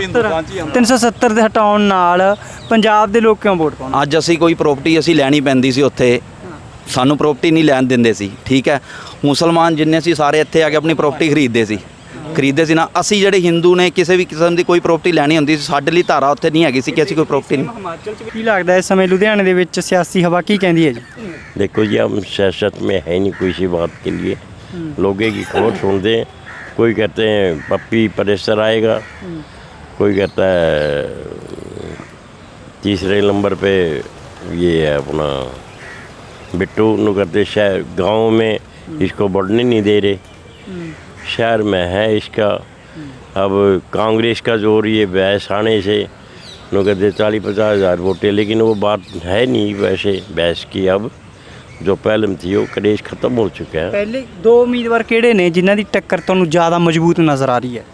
[SPEAKER 3] 370 ਦੇ ਹਟਾਉਣ ਨਾਲ ਪੰਜਾਬ ਦੇ ਲੋਕ ਕਿਉਂ ਵੋਟ ਪਾਉਣ?
[SPEAKER 4] ਅੱਜ ਅਸੀਂ ਕੋਈ ਪ੍ਰੋਪਰਟੀ ਅਸੀਂ ਲੈਣੀ ਪੈਂਦੀ ਸੀ, ਉੱਥੇ ਸਾਨੂੰ ਪ੍ਰੋਪਰਟੀ ਨਹੀਂ ਲੈਣ ਦਿੰਦੇ ਸੀ। ਠੀਕ ਹੈ, ਮੁਸਲਮਾਨ ਜਿੰਨੇ ਸੀ ਸਾਰੇ ਇੱਥੇ ਆ ਕੇ ਆਪਣੀ ਪ੍ਰੋਪਰਟੀ ਖਰੀਦਦੇ ਸੀ। ਖਰੀਦਦੇ ਸੀ ਨਾ। ਅਸੀਂ ਜਿਹੜੇ ਹਿੰਦੂ ਨੇ ਕਿਸੇ ਵੀ ਕਿਸਮ ਦੀ ਕੋਈ ਪ੍ਰਾਪਰਟੀ ਲੈਣੀ ਹੁੰਦੀ ਸੀ, ਸਾਡੇ ਲਈ ਧਾਰਾ ਉੱਥੇ ਨਹੀਂ ਹੈਗੀ ਸੀ ਕਿ ਅਸੀਂ ਕੋਈ ਪ੍ਰਾਪਰਟੀ ਨਹੀਂ।
[SPEAKER 3] ਹਿਮਾਚਲ 'ਚ ਕੀ ਲੱਗਦਾ ਇਸ ਸਮੇਂ ਲੁਧਿਆਣੇ ਦੇ ਵਿੱਚ ਸਿਆਸੀ ਹਵਾ ਕੀ ਕਹਿੰਦੀ ਹੈ ਜੀ?
[SPEAKER 9] देखो जी, हम सियासत में है नहीं कोई सी बात के लिए, लोगों की खबर सुन दें। कोई कहते हैं पप्पी परेशर आएगा, कोई कहता है तीसरे नंबर पे ये है अपना बिट्टू, नु कहते शहर गाँव में इसको बढ़ने नहीं दे रहे, शहर में है इसका। अब कांग्रेस का जोर ये बहस आने से नु कहते 40-50 हज़ार वोटें, लेकिन वो बात है नहीं वैसे बहस की। अब जो पहले में थी वो क्रेज खत्म हो चुका है।
[SPEAKER 3] ਪਹਿਲੇ ਦੋ ਉਮੀਦਵਾਰ ਕਿਹੜੇ ਨੇ ਜਿਨ੍ਹਾਂ ਦੀ ਟੱਕਰ ਤੁਹਾਨੂੰ ਜ਼ਿਆਦਾ ਮਜ਼ਬੂਤ ਨਜ਼ਰ ਆ ਰਹੀ ਹੈ?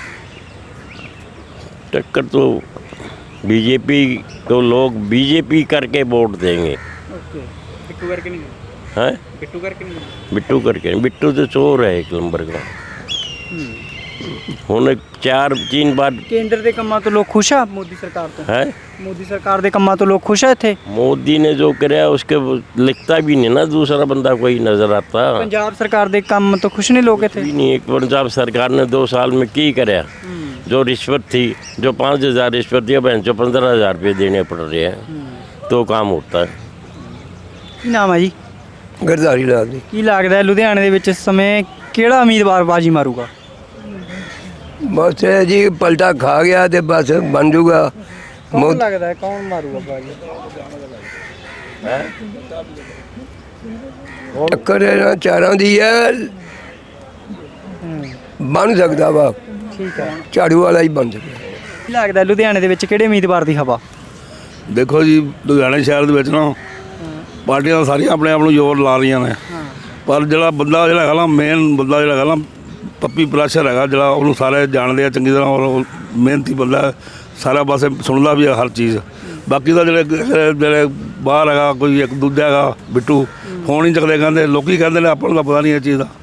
[SPEAKER 9] टक्कर तो बीजेपी, तो लोग बीजेपी करके वोट देंगे।
[SPEAKER 3] ਓਕੇ, ਬਿੱਟੂ ਕਰਕੇ ਨਹੀਂ,
[SPEAKER 9] हैं
[SPEAKER 3] ਬਿੱਟੂ ਕਰਕੇ ਨਹੀਂ।
[SPEAKER 9] बिट्टू करके, बिट्टू तो चोर है एक नंबर का। ਹੁਣ 4-3 बार
[SPEAKER 3] ਕੇਂਦਰ ਦੇ ਕੰਮਾਂ ਤੋਂ ਲੋਕ ਖੁਸ਼ ਆ ਮੋਦੀ ਸਰਕਾਰ ਤੋਂ?
[SPEAKER 9] है
[SPEAKER 3] ਮੋਦੀ ਸਰਕਾਰ ਦੇ ਕੰਮਾਂ ਤੋਂ ਲੋਕ ਖੁਸ਼ ਆ ਇੱਥੇ?
[SPEAKER 9] मोदी ने जो कराया उसके लिखता भी नहीं ना, दूसरा बंदा कोई नजर आता
[SPEAKER 3] ਪੰਜਾਬ ਸਰਕਾਰ ਦੇ ਕੰਮ ਤੋਂ ਖੁਸ਼ ਨੇ ਲੋਕ ਇੱਥੇ?
[SPEAKER 9] भी नहीं। एक पंजाब सरकार ने 2 साल में की कराया? जो रिश्वत थी, जो 5,000 रिश्वत थी, अब जो 15,000 रुपये देने पड़ रहे हैं, तो काम होता है।
[SPEAKER 3] ਕੀ ਨਾਮ ਹੈ ਜੀ?
[SPEAKER 10] ਗਰਦਾਰੀ ਲਾਲ ਜੀ।
[SPEAKER 3] ਕੀ ਲੱਗਦਾ ਹੈ ਲੁਧਿਆਣੇ ਦੇ ਵਿੱਚ ਇਸ ਸਮੇਂ ਕਿਹੜਾ ਉਮੀਦਵਾਰ ਬਾਜੀ ਮਾਰੂਗਾ?
[SPEAKER 10] ਬਸ ਇਹ ਜੀ ਪਲਟਾ ਖਾ ਗਿਆ ਤੇ ਬਸ ਬਣ ਜੂਗਾ।
[SPEAKER 3] ਕੌਣ ਲੱਗਦਾ ਹੈ ਕੌਣ ਮਾਰੂਗਾ ਬਾਜੀ?
[SPEAKER 10] ਟੱਕਰ ਇਹਨਾਂ ਚਾਰਾਂ ਦੀ ਹੈ, ਬਣ ਸਕਦਾ ਵਾ।
[SPEAKER 3] ਠੀਕ ਹੈ।
[SPEAKER 10] ਝਾੜੂ ਵਾਲਾ ਹੀ ਬਣ ਸਕਦਾ।
[SPEAKER 3] ਕੀ ਲੱਗਦਾ ਹੈ ਲੁਧਿਆਣੇ ਦੇ ਵਿੱਚ ਕਿਹੜੇ ਉਮੀਦਵਾਰ ਦੀ ਹਵਾ?
[SPEAKER 5] ਦੇਖੋ ਜੀ, ਲੁਧਿਆਣੇ ਸ਼ਹਿਰ ਦੇ ਵਿੱਚ ਨਾ ਪਾਰਟੀਆਂ ਸਾਰੀਆਂ ਆਪਣੇ ਆਪ ਨੂੰ ਜ਼ੋਰ ਲਾ ਰਹੀਆਂ ਨੇ, ਪਰ ਜਿਹੜਾ ਹੈਗਾ ਨਾ, ਮੇਨ ਬੰਦਾ ਜਿਹੜਾ ਹੈਗਾ ਨਾ, ਪੱਪੀ ਪ੍ਰੈਸ਼ਰ ਹੈਗਾ, ਜਿਹੜਾ ਉਹਨੂੰ ਸਾਰੇ ਜਾਣਦੇ ਆ ਚੰਗੀ ਤਰ੍ਹਾਂ, ਔਰ ਉਹ ਮਿਹਨਤੀ ਬੰਦਾ, ਸਾਰਾ ਪਾਸੇ ਸੁਣਦਾ ਵੀ ਆ ਹਰ ਚੀਜ਼। ਬਾਕੀ ਦਾ ਜਿਹੜੇ ਬਾਹਰ ਹੈਗਾ, ਕੋਈ ਇੱਕ ਦੂਜਾ ਹੈਗਾ ਬਿੱਟੂ, ਫੋਨ ਹੀ ਚੱਕਦੇ, ਕਹਿੰਦੇ ਲੋਕੀ ਕਹਿੰਦੇ ਨੇ, ਆਪਾਂ ਨੂੰ ਤਾਂ ਪਤਾ ਨਹੀਂ ਇਹ ਚੀਜ਼ ਦਾ।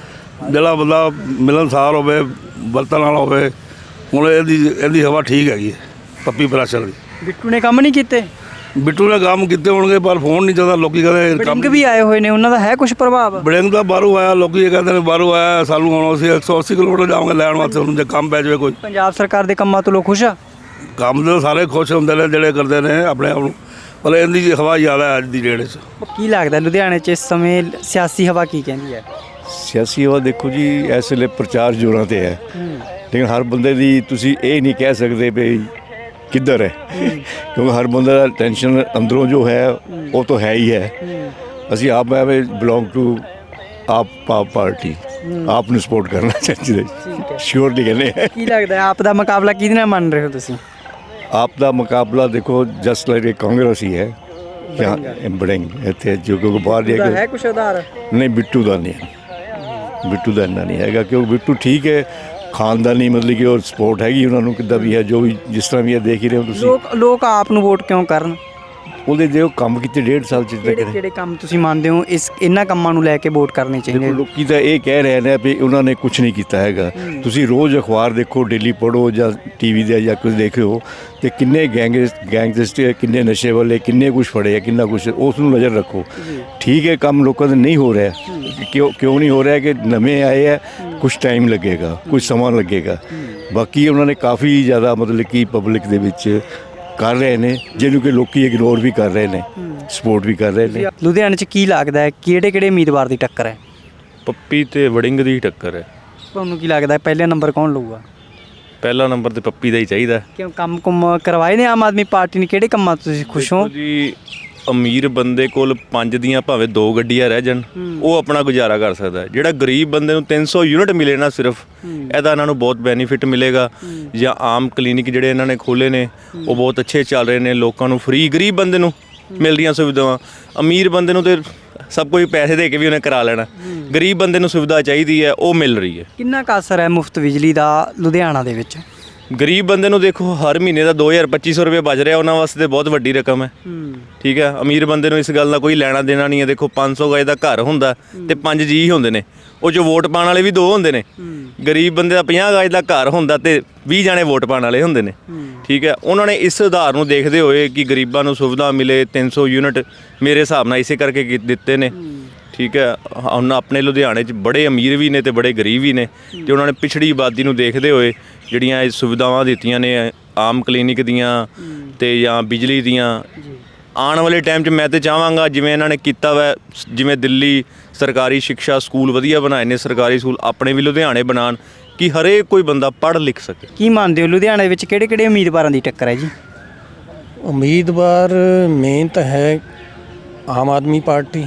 [SPEAKER 5] ਜਿਹੜਾ ਬੰਦਾ ਮਿਲਣਸਾਰ ਹੋਵੇ, ਵਰਤਣ ਵਾਲਾ ਹੋਵੇ, ਹੁਣ ਇਹਦੀ ਹਵਾ ਠੀਕ ਹੈਗੀ ਹੈ ਪੱਪੀ ਪ੍ਰੈਸ਼ਰ ਦੀ।
[SPEAKER 3] ਬਿੱਟੂ ਨੇ ਕੰਮ ਨਹੀਂ ਕੀਤੇ?
[SPEAKER 5] ਬਿੱਟੂ ਨੇ ਕੰਮ ਕੀਤੇ ਹੋਣਗੇ, ਪਰ ਫੋਨ ਨਹੀਂ ਚੱਲਦਾ। ਲੋਕੀ ਕਹਿੰਦੇ
[SPEAKER 3] ਬੜਿੰਗ ਵੀ ਆਏ ਹੋਏ ਨੇ, ਉਹਨਾਂ ਦਾ ਹੈ ਕੁਝ ਪ੍ਰਭਾਵ?
[SPEAKER 5] ਬੜਿੰਗ ਦਾ ਬਾਹਰੋਂ ਆਇਆ, ਲੋਕੀ ਇਹ ਕਹਿੰਦੇ ਨੇ ਬਾਹਰੋਂ ਆਇਆ, ਸਾਨੂੰ ਹੁਣ ਅਸੀਂ 180 ਕਿਲੋਮੀਟਰ ਜਾਵਾਂਗੇ ਲੈਣ ਵਾਸਤੇ, ਉਹਨੂੰ ਜੇ ਕੰਮ ਪੈ ਜਾਵੇ ਕੋਈ।
[SPEAKER 3] ਪੰਜਾਬ ਸਰਕਾਰ ਦੇ ਕੰਮਾਂ ਤੋਂ ਲੋਕ ਖੁਸ਼ ਆ?
[SPEAKER 5] ਕੰਮ ਦੇ ਸਾਰੇ ਖੁਸ਼ ਹੁੰਦੇ ਨੇ ਜਿਹੜੇ ਕਰਦੇ ਨੇ ਆਪਣੇ ਆਪ ਨੂੰ, ਪਰ ਇਹਦੀ ਹਵਾ ਜ਼ਿਆਦਾ ਹੈ ਅੱਜ ਦੀ ਡੇਟ 'ਚ।
[SPEAKER 3] ਕੀ ਲੱਗਦਾ ਲੁਧਿਆਣੇ 'ਚ ਇਸ ਸਮੇਂ ਸਿਆਸੀ ਹਵਾ ਕੀ ਕਹਿੰਦੀ ਹੈ?
[SPEAKER 11] ਸਿਆਸੀ ਹਵਾ ਦੇਖੋ ਜੀ, ਇਸ ਵੇਲੇ ਪ੍ਰਚਾਰ ਜ਼ੋਰਾਂ 'ਤੇ ਹੈ, ਲੇਕਿਨ ਹਰ ਬੰਦੇ ਦੀ ਤੁਸੀਂ ਇਹ ਨਹੀਂ ਕਹਿ ਸਕਦੇ ਵੀ ਕਿੱਧਰ ਹੈ, ਕਿਉਂਕਿ ਹਰ ਬੰਦੇ ਦਾ ਟੈਨਸ਼ਨ ਅੰਦਰੋਂ ਜੋ ਹੈ ਉਹ ਤਾਂ ਹੈ ਹੀ ਹੈ। ਅਸੀਂ ਆਪ ਮੈਂ ਬਿਲੋਂਗ ਟੂ ਆਪ ਪਾਰਟੀ, ਆਪ ਨੂੰ ਸਪੋਰਟ ਕਰਨਾ ਚਾਹੀਦਾ, ਸ਼ੋਰਲੀ ਕਹਿੰਦੇ।
[SPEAKER 3] ਕੀ ਲੱਗਦਾ ਆਪ ਦਾ ਮੁਕਾਬਲਾ ਕਿਹਦੇ ਨਾਲ ਮੰਨ ਰਹੇ ਹੋ ਤੁਸੀਂ?
[SPEAKER 11] ਆਪ ਦਾ ਮੁਕਾਬਲਾ ਦੇਖੋ ਜਸਟ ਲਾਈਕ ਕਾਂਗਰਸ ਹੀ ਹੈ, ਬੜਿੰਗ ਇੱਥੇ ਜੋ ਕਿ ਬਾਹਰ ਜਾ ਕੇ
[SPEAKER 3] ਹੈ ਕੁਛ ਆਧਾਰ?
[SPEAKER 11] ਨਹੀਂ, ਬਿੱਟੂ ਦਾ ਨਹੀਂ ਹੈ, ਬਿੱਟੂ ਦਾ ਇੰਨਾ ਨਹੀਂ ਹੈਗਾ, ਕਿਉਂਕਿ ਬਿੱਟੂ ਠੀਕ ਹੈ, ਖਾਨਦਾਨੀ ਮਤਲਬ ਕਿ ਉਹ ਸਪੋਰਟ ਹੈਗੀ ਉਹਨਾਂ ਨੂੰ, ਕਿੱਦਾਂ ਵੀ ਹੈ, ਜੋ ਵੀ ਜਿਸ ਤਰ੍ਹਾਂ ਵੀ ਹੈ ਦੇਖ ਹੀ ਰਹੇ ਹੋ ਤੁਸੀਂ।
[SPEAKER 3] ਲੋਕ ਆਪ ਨੂੰ ਵੋਟ ਕਿਉਂ ਕਰਨ?
[SPEAKER 11] ਉਹਦੇ ਜੋ ਕੰਮ ਕੀਤੇ 1.5 ਸਾਲ ਚ ਤੱਕ
[SPEAKER 3] ਕਿਹੜੇ ਕੰਮ ਤੁਸੀਂ ਮੰਨਦੇ ਹੋ ਇਹਨਾਂ ਕੰਮਾਂ ਨੂੰ ਲੈ ਕੇ ਵੋਟ ਕਰਨੀ ਚਾਹੀਦੀ ਹੈ?
[SPEAKER 11] ਲੋਕੀ ਤਾਂ ਇਹ ਕਹਿ ਰਹੇ ਨੇ ਵੀ ਉਹਨਾਂ ਨੇ ਕੁਝ ਨਹੀਂ ਕੀਤਾ ਹੈਗਾ। ਤੁਸੀਂ ਰੋਜ਼ ਅਖਬਾਰ ਦੇਖੋ, ਡੇਲੀ ਪੜ੍ਹੋ ਜਾਂ ਟੀਵੀ ਦੇ ਜਾਂ ਕੁਝ ਦੇਖਿਓ, ਤੇ ਕਿੰਨੇ ਗੈਂਗਸਟਰ, ਕਿੰਨੇ ਨਸ਼ੇ ਵਾਲੇ, ਕਿੰਨੇ ਕੁਝ ਫੜੇ ਆ, ਕਿੰਨਾ ਕੁਝ, ਉਸ ਨੂੰ ਨਜ਼ਰ ਰੱਖੋ। ਠੀਕ ਹੈ, ਕੰਮ ਲੋਕਾਂ ਦਾ ਨਹੀਂ ਹੋ ਰਿਹਾ, ਕਿਉਂ ਨਹੀਂ ਹੋ ਰਿਹਾ? ਕਿ ਨਵੇਂ ਆਏ ਆ, ਕੁਝ ਟਾਈਮ ਲੱਗੇਗਾ, ਕੁਝ ਸਮਾਂ ਲੱਗੇਗਾ। ਬਾਕੀ ਉਹਨਾਂ ਨੇ ਕਾਫੀ ਜ਼ਿਆਦਾ ਮਤਲਬ ਕਿ ਪਬਲਿਕ ਦੇ ਵਿੱਚ ਕਰ ਰਹੇ ਨੇ, ਜਿਹਨੂੰ ਕਿ ਲੋਕੀ ਇਗਨੋਰ ਵੀ ਕਰ ਰਹੇ ਨੇ, ਸਪੋਰਟ ਵੀ ਕਰ ਰਹੇ ਨੇ।
[SPEAKER 3] ਲੁਧਿਆਣੇ 'ਚ ਕੀ ਲੱਗਦਾ ਹੈ ਕਿਹੜੇ ਉਮੀਦਵਾਰ ਦੀ ਟੱਕਰ ਹੈ?
[SPEAKER 6] ਪੱਪੀ ਤੇ ਵੜਿੰਗ ਦੀ ਟੱਕਰ ਹੈ।
[SPEAKER 3] ਤੁਹਾਨੂੰ ਕੀ ਲੱਗਦਾ ਪਹਿਲਾ ਨੰਬਰ ਕੌਣ ਲਊਗਾ?
[SPEAKER 6] ਪਹਿਲਾ ਨੰਬਰ ਤੇ ਪੱਪੀ ਦਾ ਹੀ ਚਾਹੀਦਾ।
[SPEAKER 3] ਕਿਉਂ ਕੰਮ ਕਰਵਾਏ ਨੇ ਆਮ ਆਦਮੀ ਪਾਰਟੀ ਨੇ? ਕਿਹੜੇ ਕੰਮਾਂ ਤੋਂ ਤੁਸੀਂ ਖੁਸ਼ ਹੋ?
[SPEAKER 6] ਜੀ, ਅਮੀਰ ਬੰਦੇ ਕੋਲ 5 ਦੀਆਂ ਭਾਵੇਂ 2 ਗੱਡੀਆਂ ਰਹਿ ਜਾਣ, ਉਹ ਆਪਣਾ ਗੁਜ਼ਾਰਾ ਕਰ ਸਕਦਾ। ਜਿਹੜਾ ਗਰੀਬ ਬੰਦੇ ਨੂੰ 300 ਯੂਨਿਟ ਮਿਲੇ ਨਾ ਸਿਰਫ, ਇਹਦਾ ਇਹਨਾਂ ਨੂੰ ਬਹੁਤ ਬੈਨੀਫਿਟ ਮਿਲੇਗਾ। ਜਾਂ ਆਮ ਕਲੀਨਿਕ ਜਿਹੜੇ ਇਹਨਾਂ ਨੇ ਖੋਲ੍ਹੇ ਨੇ ਉਹ ਬਹੁਤ ਅੱਛੇ ਚੱਲ ਰਹੇ ਨੇ, ਲੋਕਾਂ ਨੂੰ ਫ੍ਰੀ, ਗਰੀਬ ਬੰਦੇ ਨੂੰ ਮਿਲ ਰਹੀਆਂ ਸੁਵਿਧਾਵਾਂ। ਅਮੀਰ ਬੰਦੇ ਨੂੰ ਤੇ ਸਭ ਕੁਝ ਪੈਸੇ ਦੇ ਕੇ ਵੀ ਉਹਨੇ ਕਰਾ ਲੈਣਾ, ਗਰੀਬ ਬੰਦੇ ਨੂੰ ਸੁਵਿਧਾ ਚਾਹੀਦੀ ਹੈ, ਉਹ ਮਿਲ ਰਹੀ ਹੈ।
[SPEAKER 3] ਕਿੰਨਾ ਕੁ ਅਸਰ ਹੈ ਮੁਫਤ ਬਿਜਲੀ ਦਾ ਲੁਧਿਆਣਾ ਦੇ ਵਿੱਚ?
[SPEAKER 6] ਗਰੀਬ ਬੰਦੇ ਨੂੰ ਦੇਖੋ ਹਰ ਮਹੀਨੇ ਦਾ 2,000-2,500 ਰੁਪਏ ਬਚ ਰਿਹਾ, ਉਹਨਾਂ ਵਾਸਤੇ ਬਹੁਤ ਵੱਡੀ ਰਕਮ ਹੈ। ਠੀਕ ਹੈ, ਅਮੀਰ ਬੰਦੇ ਨੂੰ ਇਸ ਗੱਲ ਦਾ ਕੋਈ ਲੈਣਾ ਦੇਣਾ ਨਹੀਂ ਹੈ। ਦੇਖੋ 500 ਗਜ ਦਾ ਘਰ ਹੁੰਦਾ ਤੇ 5 ਜੀ ਹੁੰਦੇ ਨੇ, ਉਹ 'ਚ ਵੋਟ ਪਾਉਣ ਵਾਲੇ ਵੀ 2 ਹੁੰਦੇ ਨੇ। ਗਰੀਬ ਬੰਦੇ ਦਾ 50 ਗਜ ਦਾ ਘਰ ਹੁੰਦਾ ਤੇ 20 ਜਾਣੇ ਵੋਟ ਪਾਉਣ ਵਾਲੇ ਹੁੰਦੇ ਨੇ। ਠੀਕ ਹੈ, ਉਹਨਾਂ ਨੇ ਇਸ ਸੁਧਾਰ ਨੂੰ ਦੇਖਦੇ ਹੋਏ ਕਿ ਗਰੀਬਾਂ ਨੂੰ ਸੁਵਿਧਾ ਮਿਲੇ, 300 ਯੂਨਿਟ ਮੇਰੇ ਹਿਸਾਬ ਨਾਲ ਇਸੇ ਕਰਕੇ ਦਿੱਤੇ ਨੇ। ਠੀਕ ਹੈ। ਹੁਣ ਆਪਣੇ ਲੁਧਿਆਣੇ 'ਚ ਬੜੇ ਅਮੀਰ ਵੀ ਨੇ ਤੇ ਬੜੇ ਗਰੀਬ ਵੀ ਨੇ, ਤੇ ਉਹਨਾਂ ਨੇ ਪਿਛੜੀ ਆਬਾਦੀ ਨੂੰ ਦੇਖਦੇ ਹੋਏ ਜਿਹੜੀਆਂ ਇਹ ਸੁਵਿਧਾਵਾਂ ਦਿੱਤੀਆਂ ਨੇ ਆਮ ਕਲੀਨਿਕ ਦੀਆਂ ਤੇ ਜਾਂ ਬਿਜਲੀ ਦੀਆਂ, ਆਉਣ ਵਾਲੇ ਟਾਈਮ 'ਚ ਮੈਂ ਤਾਂ ਚਾਹਾਂਗਾ ਜਿਵੇਂ ਇਹਨਾਂ ਨੇ ਕੀਤਾ ਵਾ, ਜਿਵੇਂ ਦਿੱਲੀ ਸਰਕਾਰੀ ਸਿੱਖਿਆ ਸਕੂਲ ਵਧੀਆ ਬਣਾਏ ਨੇ, ਸਰਕਾਰੀ ਸਕੂਲ ਆਪਣੇ ਵੀ ਲੁਧਿਆਣੇ ਬਣਾਉਣ ਕਿ ਹਰੇਕ ਕੋਈ ਬੰਦਾ ਪੜ੍ਹ ਲਿਖ ਸਕੇ।
[SPEAKER 3] ਕੀ ਮੰਨਦੇ ਹੋ ਲੁਧਿਆਣੇ ਵਿੱਚ ਕਿਹੜੇ ਉਮੀਦਵਾਰਾਂ ਦੀ ਟੱਕਰ ਹੈ ਜੀ?
[SPEAKER 12] ਉਮੀਦਵਾਰ ਮੇਨ ਤਾਂ ਹੈ ਆਮ ਆਦਮੀ ਪਾਰਟੀ,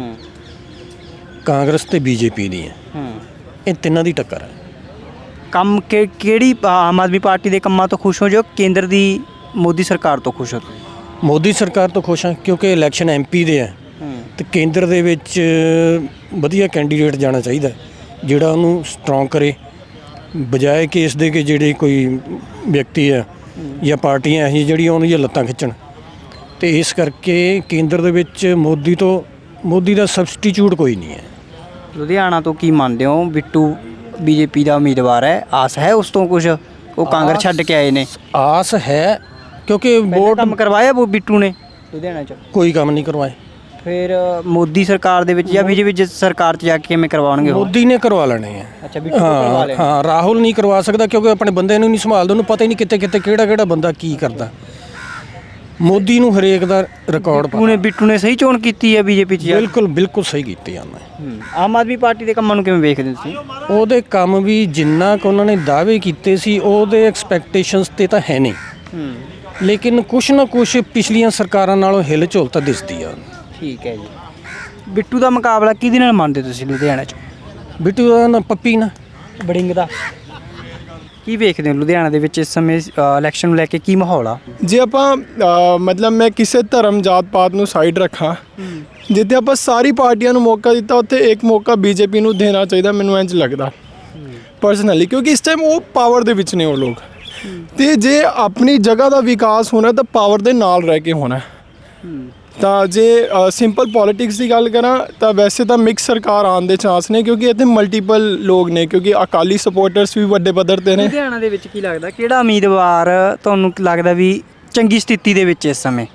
[SPEAKER 12] ਕਾਂਗਰਸ ਤੇ ਬੀਜੇਪੀ ਦੀ ਹੈ। ਇਹ ਤਿੰਨਾਂ ਦੀ ਟੱਕਰ ਹੈ।
[SPEAKER 3] ਕੰਮ ਕਿਹੜੀ ਆਮ ਆਦਮੀ ਪਾਰਟੀ ਦੇ ਕੰਮਾਂ ਤੋਂ ਖੁਸ਼ ਹੋ ਜੋ ਕੇਂਦਰ ਦੀ ਮੋਦੀ ਸਰਕਾਰ ਤੋਂ ਖੁਸ਼ ਹੋ?
[SPEAKER 12] ਮੋਦੀ ਸਰਕਾਰ ਤੋਂ ਖੁਸ਼ ਹਾਂ ਕਿਉਂਕਿ ਇਲੈਕਸ਼ਨ ਐਮਪੀ ਦੇ ਹੈ ਤੇ ਕੇਂਦਰ ਦੇ ਵਿੱਚ ਵਧੀਆ ਕੈਂਡੀਡੇਟ ਜਾਣਾ ਚਾਹੀਦਾ ਜਿਹੜਾ ਉਹਨੂੰ ਸਟਰੋਂਗ ਕਰੇ, ਬਜਾਏ ਕਿ ਇਸ ਦੇ ਕਿ ਜਿਹੜੇ ਕੋਈ ਵਿਅਕਤੀ ਹੈ ਜਾਂ ਪਾਰਟੀਆਂ ਇਹੋ ਜਿਹੜੀਆਂ ਉਹਦੀਆਂ ਲੱਤਾਂ ਖਿੱਚਣ। ਤੇ ਇਸ ਕਰਕੇ ਕੇਂਦਰ ਦੇ ਵਿੱਚ ਮੋਦੀ ਦਾ ਸਬਸਟੀਚਿਊਟ ਕੋਈ ਨਹੀਂ ਹੈ।
[SPEAKER 3] ਲੁਧਿਆਣਾ ਤੋਂ ਕੀ ਮੰਨਦੇ ਹੋ? ਬਿੱਟੂ ਬੀਜੇਪੀ ਦਾ ਉਮੀਦਵਾਰ ਹੈ, ਆਸ ਹੈ ਉਸ ਤੋਂ ਕੁਝ? ਉਹ ਕਾਂਗਰਸ ਛੱਡ ਕੇ ਆਏ ਨੇ।
[SPEAKER 12] ਆਸ ਹੈ ਕਿਉਂਕਿ ਵੋਟ
[SPEAKER 3] ਕੰਮ ਕਰਵਾਇਆ ਉਹ ਬਿੱਟੂ ਨੇ ਲੁਧਿਆਣਾ 'ਚ?
[SPEAKER 12] ਕੋਈ ਕੰਮ ਨਹੀਂ ਕਰਵਾਏ।
[SPEAKER 3] ਫਿਰ ਮੋਦੀ ਸਰਕਾਰ ਦੇ ਵਿੱਚ ਜਾਂ ਬੀਜੇਪੀ ਸਰਕਾਰ 'ਚ ਜਾ ਕੇ ਕਿਵੇਂ ਕਰਵਾਉਣਗੇ?
[SPEAKER 12] ਮੋਦੀ ਨੇ ਕਰਵਾ ਲੈਣੇ ਆ।
[SPEAKER 3] ਅੱਛਾ, ਬਿੱਟੂ ਕਰਵਾ ਲੈਣੇ।
[SPEAKER 12] ਹਾਂ, ਰਾਹੁਲ ਨਹੀਂ ਕਰਵਾ ਸਕਦਾ ਕਿਉਂਕਿ ਆਪਣੇ ਬੰਦੇ ਨੂੰ ਨਹੀਂ ਸੰਭਾਲਦਾ, ਉਹਨੂੰ ਪਤਾ ਹੀ ਨਹੀਂ ਕਿੱਥੇ ਕਿਹੜਾ ਬੰਦਾ ਕੀ ਕਰਦਾ। ਮੋਦੀ ਨੂੰ ਹਰੇਕ ਦਾ ਰਿਕਾਰਡ ਪਤਾ।
[SPEAKER 3] ਬਿੱਟੂ ਨੇ ਸਹੀ ਚੋਣ ਕੀਤੀ ਹੈ ਬੀਜੇਪੀ 'ਚ?
[SPEAKER 12] ਬਿਲਕੁਲ ਸਹੀ ਕੀਤੀ ਆ ਮੈਂ।
[SPEAKER 3] ਆਮ ਆਦਮੀ ਪਾਰਟੀ ਦੇ ਕੰਮਾਂ ਨੂੰ ਕਿਵੇਂ ਵੇਖਦੇ ਤੁਸੀਂ?
[SPEAKER 12] ਉਹਦੇ ਕੰਮ ਵੀ ਜਿੰਨਾ ਕੁ ਉਹਨਾਂ ਨੇ ਦਾਅਵੇ ਕੀਤੇ ਸੀ ਉਹਦੇ ਐਕਸਪੈਕਟੇਸ਼ਨਸ ਤੇ ਤਾਂ ਹੈ ਨਹੀਂ, ਲੇਕਿਨ ਕੁਛ ਨਾ ਕੁਛ ਪਿਛਲੀਆਂ ਸਰਕਾਰਾਂ ਨਾਲੋਂ ਹਿਲ ਝੁਲ ਤਾਂ ਦਿਸਦੀ ਆ।
[SPEAKER 3] ਠੀਕ ਹੈ ਜੀ। ਬਿੱਟੂ ਦਾ ਮੁਕਾਬਲਾ ਕਿਹਦੇ ਨਾਲ ਮੰਨਦੇ ਤੁਸੀਂ ਲੁਧਿਆਣਾ 'ਚ?
[SPEAKER 12] ਬਿੱਟੂ ਦਾ ਨਾ ਪੱਪੀ ਨਾ
[SPEAKER 3] ਬੜਿੰਗ ਦਾ। ਕੀ ਵੇਖਦੇ ਹੋ ਲੁਧਿਆਣਾ ਦੇ ਵਿੱਚ ਇਸ ਸਮੇਂ ਇਲੈਕਸ਼ਨ ਨੂੰ ਲੈ ਕੇ ਕੀ ਮਾਹੌਲ ਆ?
[SPEAKER 13] ਜੇ ਆਪਾਂ ਮਤਲਬ ਮੈਂ ਕਿਸੇ ਧਰਮ ਜਾਤ ਪਾਤ ਨੂੰ ਸਾਈਡ ਰੱਖਾਂ, ਜਿੱਥੇ ਆਪਾਂ ਸਾਰੀ ਪਾਰਟੀਆਂ ਨੂੰ ਮੌਕਾ ਦਿੱਤਾ ਉੱਥੇ ਇੱਕ ਮੌਕਾ ਬੀਜੇਪੀ ਨੂੰ ਦੇਣਾ ਚਾਹੀਦਾ, ਮੈਨੂੰ ਇੰਝ ਲੱਗਦਾ ਪਰਸਨਲੀ, ਕਿਉਂਕਿ ਇਸ ਟਾਈਮ ਉਹ ਪਾਵਰ ਦੇ ਵਿੱਚ ਨੇ ਉਹ ਲੋਕ। ਤੇ ਜੇ ਆਪਣੀ ਜਗ੍ਹਾ ਦਾ ਵਿਕਾਸ ਹੋਣਾ ਤਾਂ ਪਾਵਰ ਦੇ ਨਾਲ ਰਹਿ ਕੇ ਹੋਣਾ। ਤਾਂ ਜੇ ਸਿੰਪਲ ਪੋਲੀਟਿਕਸ ਦੀ ਗੱਲ ਕਰਾਂ ਤਾਂ ਵੈਸੇ ਤਾਂ ਮਿਕਸ ਸਰਕਾਰ ਆਉਣ ਦੇ ਚਾਂਸ ਨੇ, ਕਿਉਂਕਿ ਇੱਥੇ ਮਲਟੀਪਲ ਲੋਕ ਨੇ, ਕਿਉਂਕਿ ਅਕਾਲੀ ਸਪੋਰਟਰਸ ਵੀ ਵੱਡੇ ਪੱਧਰ ਤੇ ਨੇ।
[SPEAKER 3] ਲੁਧਿਆਣਾ ਦੇ ਵਿੱਚ ਕੀ ਲੱਗਦਾ ਕਿਹੜਾ ਉਮੀਦਵਾਰ ਤੁਹਾਨੂੰ ਲੱਗਦਾ ਵੀ ਚੰਗੀ ਸਥਿਤੀ ਦੇ ਵਿੱਚ ਇਸ ਸਮੇਂ?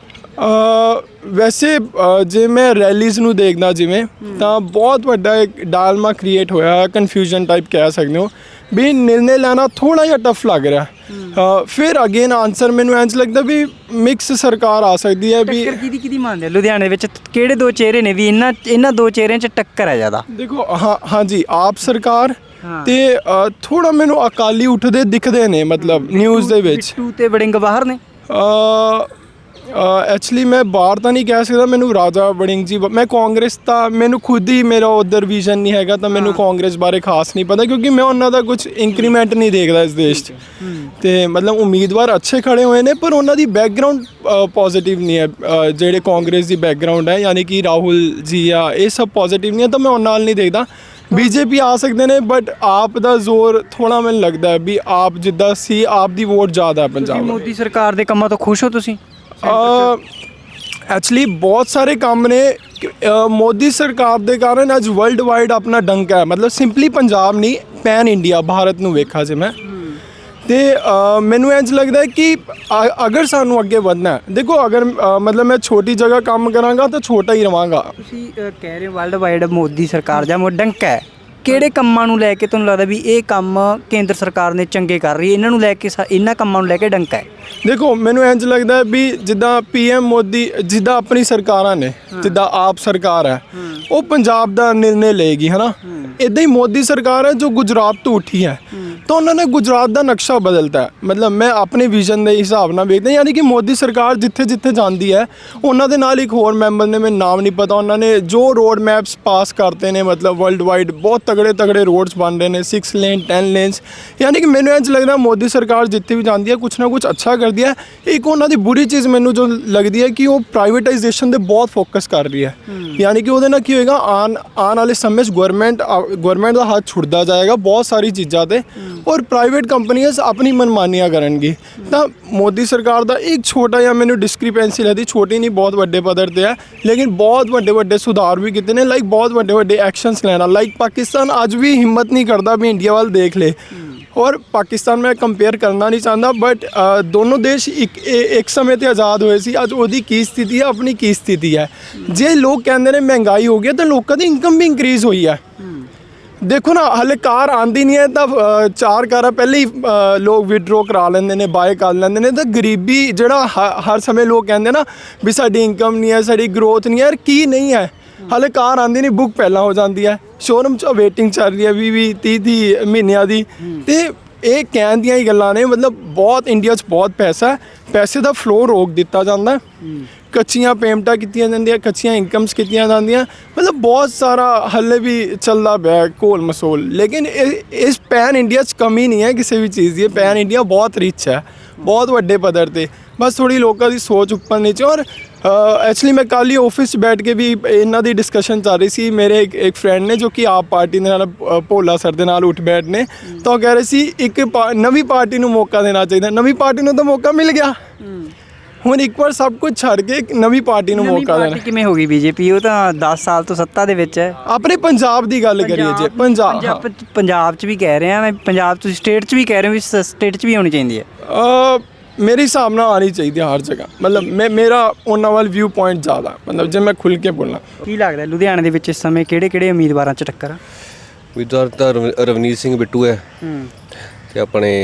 [SPEAKER 13] ਵੈਸੇ ਜੇ ਮੈਂ ਰੈਲੀਜ਼ ਨੂੰ ਦੇਖਦਾ ਜਿਵੇਂ, ਤਾਂ ਬਹੁਤ ਵੱਡਾ ਇੱਕ ਡਾਲਮਾ ਕ੍ਰੀਏਟ ਹੋਇਆ, ਕਨਫਿਊਜ਼ਨ ਟਾਈਪ ਕਹਿ ਸਕਦੇ ਹੋ ਵੀ ਨਿਰਣੇ ਲੈਣਾ ਥੋੜ੍ਹਾ ਜਿਹਾ ਟਫ ਲੱਗ ਰਿਹਾ। ਫਿਰ ਅਗੇਨ ਆਨਸਰ ਮੈਨੂੰ ਇੰਝ ਲੱਗਦਾ ਵੀ ਮਿਕਸ ਸਰਕਾਰ ਆ ਸਕਦੀ ਹੈ। ਵੀ
[SPEAKER 3] ਕਿਹਦੀ ਮੰਨਦੇ ਲੁਧਿਆਣੇ ਵਿੱਚ ਕਿਹੜੇ ਦੋ ਚਿਹਰੇ ਨੇ ਵੀ ਇਹਨਾਂ ਦੋ ਚਿਹਰਿਆਂ 'ਚ ਟੱਕਰ ਹੈ ਜ਼ਿਆਦਾ?
[SPEAKER 13] ਦੇਖੋ ਹਾਂਜੀ ਆਪ ਸਰਕਾਰ ਤੇ ਥੋੜਾ ਮੈਨੂੰ ਅਕਾਲੀ ਉੱਠਦੇ ਦਿਖਦੇ ਨੇ, ਮਤਲਬ ਨਿਊਜ਼ ਦੇ ਵਿੱਚ।
[SPEAKER 3] ਬਿੱਟੂ ਤੇ ਬੜਿੰਗ ਬਾਹਰ ਨੇ?
[SPEAKER 13] ਐਕਚੁਅਲੀ ਮੈਂ ਬਾਹਰ ਤਾਂ ਨਹੀਂ ਕਹਿ ਸਕਦਾ, ਮੈਨੂੰ ਰਾਜਾ ਵੜਿੰਗ ਜੀ, ਮੈਂ ਕਾਂਗਰਸ ਤਾਂ ਮੈਨੂੰ ਖੁਦ ਹੀ ਮੇਰਾ ਉਧਰ ਵਿਜ਼ਨ ਨਹੀਂ ਹੈਗਾ, ਤਾਂ ਮੈਨੂੰ ਕਾਂਗਰਸ ਬਾਰੇ ਖਾਸ ਨਹੀਂ ਪਤਾ ਕਿਉਂਕਿ ਮੈਂ ਉਹਨਾਂ ਦਾ ਕੁਝ ਇੰਕਰੀਮੈਂਟ ਨਹੀਂ ਦੇਖਦਾ ਇਸ ਦੇਸ਼ 'ਚ। ਤੇ ਮਤਲਬ ਉਮੀਦਵਾਰ ਅੱਛੇ ਖੜੇ ਹੋਏ ਨੇ ਪਰ ਉਹਨਾਂ ਦੀ ਬੈਕਗਰਾਉਂਡ ਪੋਜ਼ਿਟਿਵ ਨਹੀਂ ਹੈ। ਜਿਹੜੇ ਕਾਂਗਰਸ ਦੀ ਬੈਕਗਰਾਉਂਡ ਹੈ ਯਾਨੀ ਕਿ ਰਾਹੁਲ ਜੀ ਆ, ਇਹ ਸਭ ਪੋਜ਼ਿਟਿਵ ਨਹੀਂ ਹੈ, ਤਾਂ ਮੈਂ ਉਹਨਾਂ ਨਾਲ ਨਹੀਂ ਦੇਖਦਾ। ਬੀਜੇਪੀ ਆ ਸਕਦੇ ਨੇ ਬਟ ਆਪ ਦਾ ਜ਼ੋਰ ਥੋੜਾ ਮੈਨੂੰ ਲੱਗਦਾ ਵੀ ਆਪ ਜਿੱਦਾਂ ਸੀ, ਆਪ ਦੀ ਵੋਟ ਜ਼ਿਆਦਾ ਹੈ ਪੰਜਾਬ।
[SPEAKER 3] ਮੋਦੀ ਸਰਕਾਰ ਦੇ ਕੰਮਾਂ ਤੋਂ ਖੁਸ਼ ਹੋ ਤੁਸੀਂ?
[SPEAKER 13] ਐਕਚੁਅਲੀ ਬਹੁਤ ਸਾਰੇ ਕੰਮ ਨੇ ਮੋਦੀ ਸਰਕਾਰ ਦੇ ਕਾਰਨ ਅੱਜ ਵਰਲਡ ਵਾਈਡ ਆਪਣਾ ਡੰਕਾ ਹੈ, ਮਤਲਬ ਸਿੰਪਲੀ ਪੰਜਾਬ ਨਹੀਂ, ਪੈਨ ਇੰਡੀਆ ਭਾਰਤ ਨੂੰ ਵੇਖਾ ਜੇ ਮੈਂ। ਤੇ ਮੈਨੂੰ ਇੰਝ ਲੱਗਦਾ ਕਿ ਅਗਰ ਸਾਨੂੰ ਅੱਗੇ ਵਧਣਾ, ਦੇਖੋ ਅਗਰ ਮਤਲਬ ਮੈਂ ਛੋਟੀ ਜਗ੍ਹਾ ਕੰਮ ਕਰਾਂਗਾ ਤਾਂ ਛੋਟਾ ਹੀ ਰਵਾਂਗਾ।
[SPEAKER 3] ਤੁਸੀਂ ਕਹਿ ਰਹੇ ਹੋ ਵਰਲਡ ਵਾਈਡ ਮੋਦੀ ਸਰਕਾਰ ਜਾਂ ਡੰਕਾ ਹੈ, ਕਿਹੜੇ ਕੰਮਾਂ ਨੂੰ ਲੈ ਕੇ ਤੁਹਾਨੂੰ ਲੱਗਦਾ ਵੀ ਇਹ ਕੰਮ ਕੇਂਦਰ ਸਰਕਾਰ ਨੇ ਚੰਗੇ ਕਰ ਰਹੀ ਹੈ, ਇਹਨਾਂ ਨੂੰ ਲੈ ਕੇ ਇਹਨਾਂ ਕੰਮਾਂ ਨੂੰ ਲੈ ਕੇ ਡੰਕਾ ਹੈ?
[SPEAKER 13] ਦੇਖੋ ਮੈਨੂੰ ਇੰਝ ਲੱਗਦਾ ਵੀ ਜਿੱਦਾਂ PM ਮੋਦੀ, ਜਿੱਦਾਂ ਆਪਣੀ ਸਰਕਾਰਾਂ ਨੇ, ਜਿੱਦਾਂ ਆਪ ਸਰਕਾਰ ਹੈ ਉਹ ਪੰਜਾਬ ਦਾ ਨਿਰਣੇ ਲਏਗੀ, ਹੈ ਨਾ। ਇੱਦਾਂ ਹੀ ਮੋਦੀ ਸਰਕਾਰ ਹੈ ਜੋ ਗੁਜਰਾਤ ਤੋਂ ਉੱਠੀ ਹੈ, ਤਾਂ ਉਹਨਾਂ ਨੇ ਗੁਜਰਾਤ ਦਾ ਨਕਸ਼ਾ ਬਦਲਤਾ। ਮਤਲਬ ਮੈਂ ਆਪਣੇ ਵਿਜ਼ਨ ਦੇ ਹਿਸਾਬ ਨਾਲ ਵੇਖਦਾ, ਯਾਨੀ ਕਿ ਮੋਦੀ ਸਰਕਾਰ ਜਿੱਥੇ ਜਿੱਥੇ ਜਾਂਦੀ ਹੈ ਉਹਨਾਂ ਦੇ ਨਾਲ ਇੱਕ ਹੋਰ ਮੈਂਬਰ ਨੇ, ਮੈਨੂੰ ਨਾਮ ਨਹੀਂ ਪਤਾ, ਉਹਨਾਂ ਨੇ ਜੋ ਰੋਡ ਮੈਪਸ ਪਾਸ ਕਰਤੇ ਨੇ, ਮਤਲਬ ਵਰਲਡ ਵਾਈਡ ਬਹੁਤ ਤਗੜੇ ਰੋਡਸ ਬਣ ਰਹੇ ਨੇ, 6 ਲੇਨ 10 ਲੇਨਸ। ਯਾਨੀ ਕਿ ਮੈਨੂੰ ਇੰਝ ਲੱਗਦਾ ਮੋਦੀ ਸਰਕਾਰ ਜਿੱਥੇ ਵੀ ਜਾਂਦੀ ਹੈ ਕੁਛ ਨਾ ਕੁਛ ਅੱਛਾ ਕਰਦੀ ਹੈ। ਇੱਕ ਉਹਨਾਂ ਦੀ ਬੁਰੀ ਚੀਜ਼ ਮੈਨੂੰ ਜੋ ਲੱਗਦੀ ਹੈ ਕਿ ਉਹ ਪ੍ਰਾਈਵੇਟਾਈਜੇਸ਼ਨ ਦੇ ਬਹੁਤ ਫੋਕਸ ਕਰ ਰਹੀ ਹੈ, ਯਾਨੀ ਕਿ ਉਹਦੇ ਨਾਲ ਕੀ ਹੋਏਗਾ, ਆਉਣ ਵਾਲੇ ਸਮੇਂ 'ਚ ਗਵਰਨਮੈਂਟ ਦਾ ਹੱਥ ਛੁੱਟਦਾ ਜਾਏਗਾ ਬਹੁਤ ਸਾਰੀ ਚੀਜ਼ਾਂ 'ਤੇ, ਔਰ ਪ੍ਰਾਈਵੇਟ ਕੰਪਨੀਆਂ ਆਪਣੀ ਮਨਮਾਨੀਆਂ ਕਰਨਗੀ। ਤਾਂ ਮੋਦੀ ਸਰਕਾਰ ਦਾ ਇੱਕ ਛੋਟਾ ਜਿਹਾ ਮੈਨੂੰ ਡਿਸਕ੍ਰਿਪੈਂਸੀ ਲੱਗਦੀ, ਛੋਟੀ ਨਹੀਂ ਬਹੁਤ ਵੱਡੇ ਪੱਧਰ 'ਤੇ ਹੈ, ਲੇਕਿਨ ਬਹੁਤ ਵੱਡੇ ਸੁਧਾਰ ਵੀ ਕੀਤੇ ਨੇ, ਲਾਈਕ ਬਹੁਤ ਵੱਡੇ ਐਕਸ਼ਨਸ ਲੈਣਾ। ਲਾਈਕ ਪਾਕਿਸਤਾਨ ਅੱਜ ਵੀ ਹਿੰਮਤ ਨਹੀਂ ਕਰਦਾ ਵੀ ਇੰਡੀਆ ਵੱਲ ਦੇਖ ਲੇ। ਔਰ ਪਾਕਿਸਤਾਨ ਮੈਂ ਕੰਪੇਅਰ ਕਰਨਾ ਨਹੀਂ ਚਾਹੁੰਦਾ, ਬਟ ਦੋਨੋਂ ਦੇਸ਼ ਇੱਕ ਸਮੇਂ ਤੇ ਆਜ਼ਾਦ ਹੋਏ ਸੀ। ਅੱਜ ਉਹਦੀ ਕੀ ਸਥਿਤੀ ਹੈ, ਆਪਣੀ ਕੀ ਸਥਿਤੀ ਹੈ। ਜੇ ਲੋਕ ਕਹਿੰਦੇ ਨੇ ਮਹਿੰਗਾਈ ਹੋ ਗਈ ਤਾਂ ਲੋਕਾਂ ਦੀ ਇਨਕਮ ਵੀ ਇੰਕਰੀਜ਼ ਹੋਈ ਹੈ। ਦੇਖੋ ਨਾ, ਹਲੇ ਕਾਰ ਆਉਂਦੀ ਨਹੀਂ ਹੈ ਤਾਂ 4 ਕਾਰਾਂ ਪਹਿਲੇ ਹੀ ਲੋਕ ਵਿਡਰੋ ਕਰਾ ਲੈਂਦੇ ਨੇ, ਬਾਏ ਕਰ ਲੈਂਦੇ ਨੇ। ਤਾਂ ਗਰੀਬੀ ਜਿਹੜਾ ਹਰ ਸਮੇਂ ਲੋਕ ਕਹਿੰਦੇ ਨਾ ਵੀ ਸਾਡੀ ਇਨਕਮ ਨਹੀਂ ਹੈ, ਸਾਡੀ ਗਰੋਥ ਨਹੀਂ ਹੈ, ਯਾਰ ਕੀ ਨਹੀਂ ਹੈ। ਹਾਲੇ ਕਾਰ ਆਉਂਦੀ ਨਹੀਂ, ਬੁੱਕ ਪਹਿਲਾਂ ਹੋ ਜਾਂਦੀ ਹੈ, ਸ਼ੋਰੂਮ 'ਚ ਵੇਟਿੰਗ ਚੱਲ ਰਹੀ ਹੈ 20 30 ਮਹੀਨਿਆਂ ਦੀ। ਤੇ ਇਹ ਕਹਿਣ ਦੀਆਂ ਹੀ ਗੱਲਾਂ ਨੇ, ਮਤਲਬ ਬਹੁਤ ਇੰਡੀਆ 'ਚ ਬਹੁਤ ਪੈਸਾ ਹੈ, ਪੈਸੇ ਦਾ ਫਲੋ ਰੋਕ ਦਿੱਤਾ ਜਾਂਦਾ। ਕੱਚੀਆਂ ਪੇਮੈਂਟਾਂ ਕੀਤੀਆਂ ਜਾਂਦੀਆਂ, ਕੱਚੀਆਂ ਇਨਕਮਸ ਕੀਤੀਆਂ ਜਾਂਦੀਆਂ, ਮਤਲਬ ਬਹੁਤ ਸਾਰਾ ਹੱਲੇ ਵੀ ਚੱਲਦਾ ਪਿਆ ਘੋਲ ਮਸੋਲ। ਲੇਕਿਨ ਇਸ ਪੈਨ ਇੰਡੀਆ 'ਚ ਕਮੀ ਨਹੀਂ ਹੈ ਕਿਸੇ ਵੀ ਚੀਜ਼ ਦੀ। ਪੈਨ ਇੰਡੀਆ ਬਹੁਤ ਰਿਚ ਹੈ, ਬਹੁਤ ਵੱਡੇ ਪੱਧਰ 'ਤੇ। ਬਸ ਥੋੜੀ ਲੋਕਾਂ ਦੀ ਸੋਚ ਉੱਪਰ ਨੀਚੇ। ਔਰ ਐਕਚੁਅਲੀ ਮੈਂ ਕੱਲ੍ਹ ਹੀ ਆਫਿਸ 'ਚ ਬੈਠ ਕੇ ਵੀ ਇਹਨਾਂ ਦੀ ਡਿਸਕਸ਼ਨ ਚੱਲ ਰਹੀ ਸੀ। ਮੇਰੇ ਇੱਕ ਫਰੈਂਡ ਨੇ ਜੋ ਕਿ ਆਪ ਪਾਰਟੀ ਦੇ ਨਾਲ ਭੋਲਾ ਸਰ ਦੇ ਨਾਲ ਉੱਠ ਬੈਠ ਨੇ, ਤਾਂ ਉਹ ਕਹਿ ਰਹੇ ਸੀ ਇੱਕ ਨਵੀਂ ਪਾਰਟੀ ਨੂੰ ਮੌਕਾ ਦੇਣਾ ਚਾਹੀਦਾ। ਨਵੀਂ ਪਾਰਟੀ ਨੂੰ ਤਾਂ ਮੌਕਾ ਮਿਲ ਗਿਆ, ਹੁਣ ਇੱਕ ਵਾਰ ਸਭ ਕੁਝ ਛੱਡ ਕੇ ਇੱਕ ਨਵੀਂ ਪਾਰਟੀ ਨੂੰ ਮੌਕਾ ਦੇਣਾ।
[SPEAKER 3] ਕਿਵੇਂ ਹੋ ਗਈ ਬੀਜੇਪੀ? ਉਹ ਤਾਂ 10 ਸਾਲ ਤੋਂ ਸੱਤਾ ਦੇ ਵਿੱਚ ਹੈ।
[SPEAKER 13] ਆਪਣੇ ਪੰਜਾਬ ਦੀ ਗੱਲ ਕਰੀਏ ਜੇ
[SPEAKER 3] ਪੰਜਾਬ 'ਚ ਵੀ ਕਹਿ ਰਹੇ ਆ, ਪੰਜਾਬ ਤੁਸੀਂ ਸਟੇਟ 'ਚ ਵੀ ਕਹਿ ਰਹੇ ਹੋ ਵੀ ਸਟੇਟ 'ਚ ਵੀ ਹੋਣੀ ਚਾਹੀਦੀ ਹੈ।
[SPEAKER 13] ਮੇਰੇ ਹਿਸਾਬ ਨਾਲ ਆਉਣੀ ਚਾਹੀਦੀ ਹੈ ਹਰ ਜਗ੍ਹਾ। ਮਤਲਬ ਮੇਰਾ ਉਹਨਾਂ ਵੱਲ ਵਿਊ ਪੁਆਇੰਟ ਜ਼ਿਆਦਾ, ਮਤਲਬ ਜੇ ਮੈਂ ਖੁੱਲ੍ਹ ਕੇ ਬੋਲਾਂ।
[SPEAKER 3] ਕੀ ਲੱਗਦਾ ਲੁਧਿਆਣੇ ਦੇ ਵਿੱਚ ਇਸ ਸਮੇਂ ਕਿਹੜੇ ਉਮੀਦਵਾਰਾਂ 'ਚ ਟੱਕਰ ਆ?
[SPEAKER 14] ਉਮੀਦਵਾਰ ਤਾਂ ਰਵਨੀਤ ਸਿੰਘ ਬਿੱਟੂ ਹੈ ਤੇ ਆਪਣੇ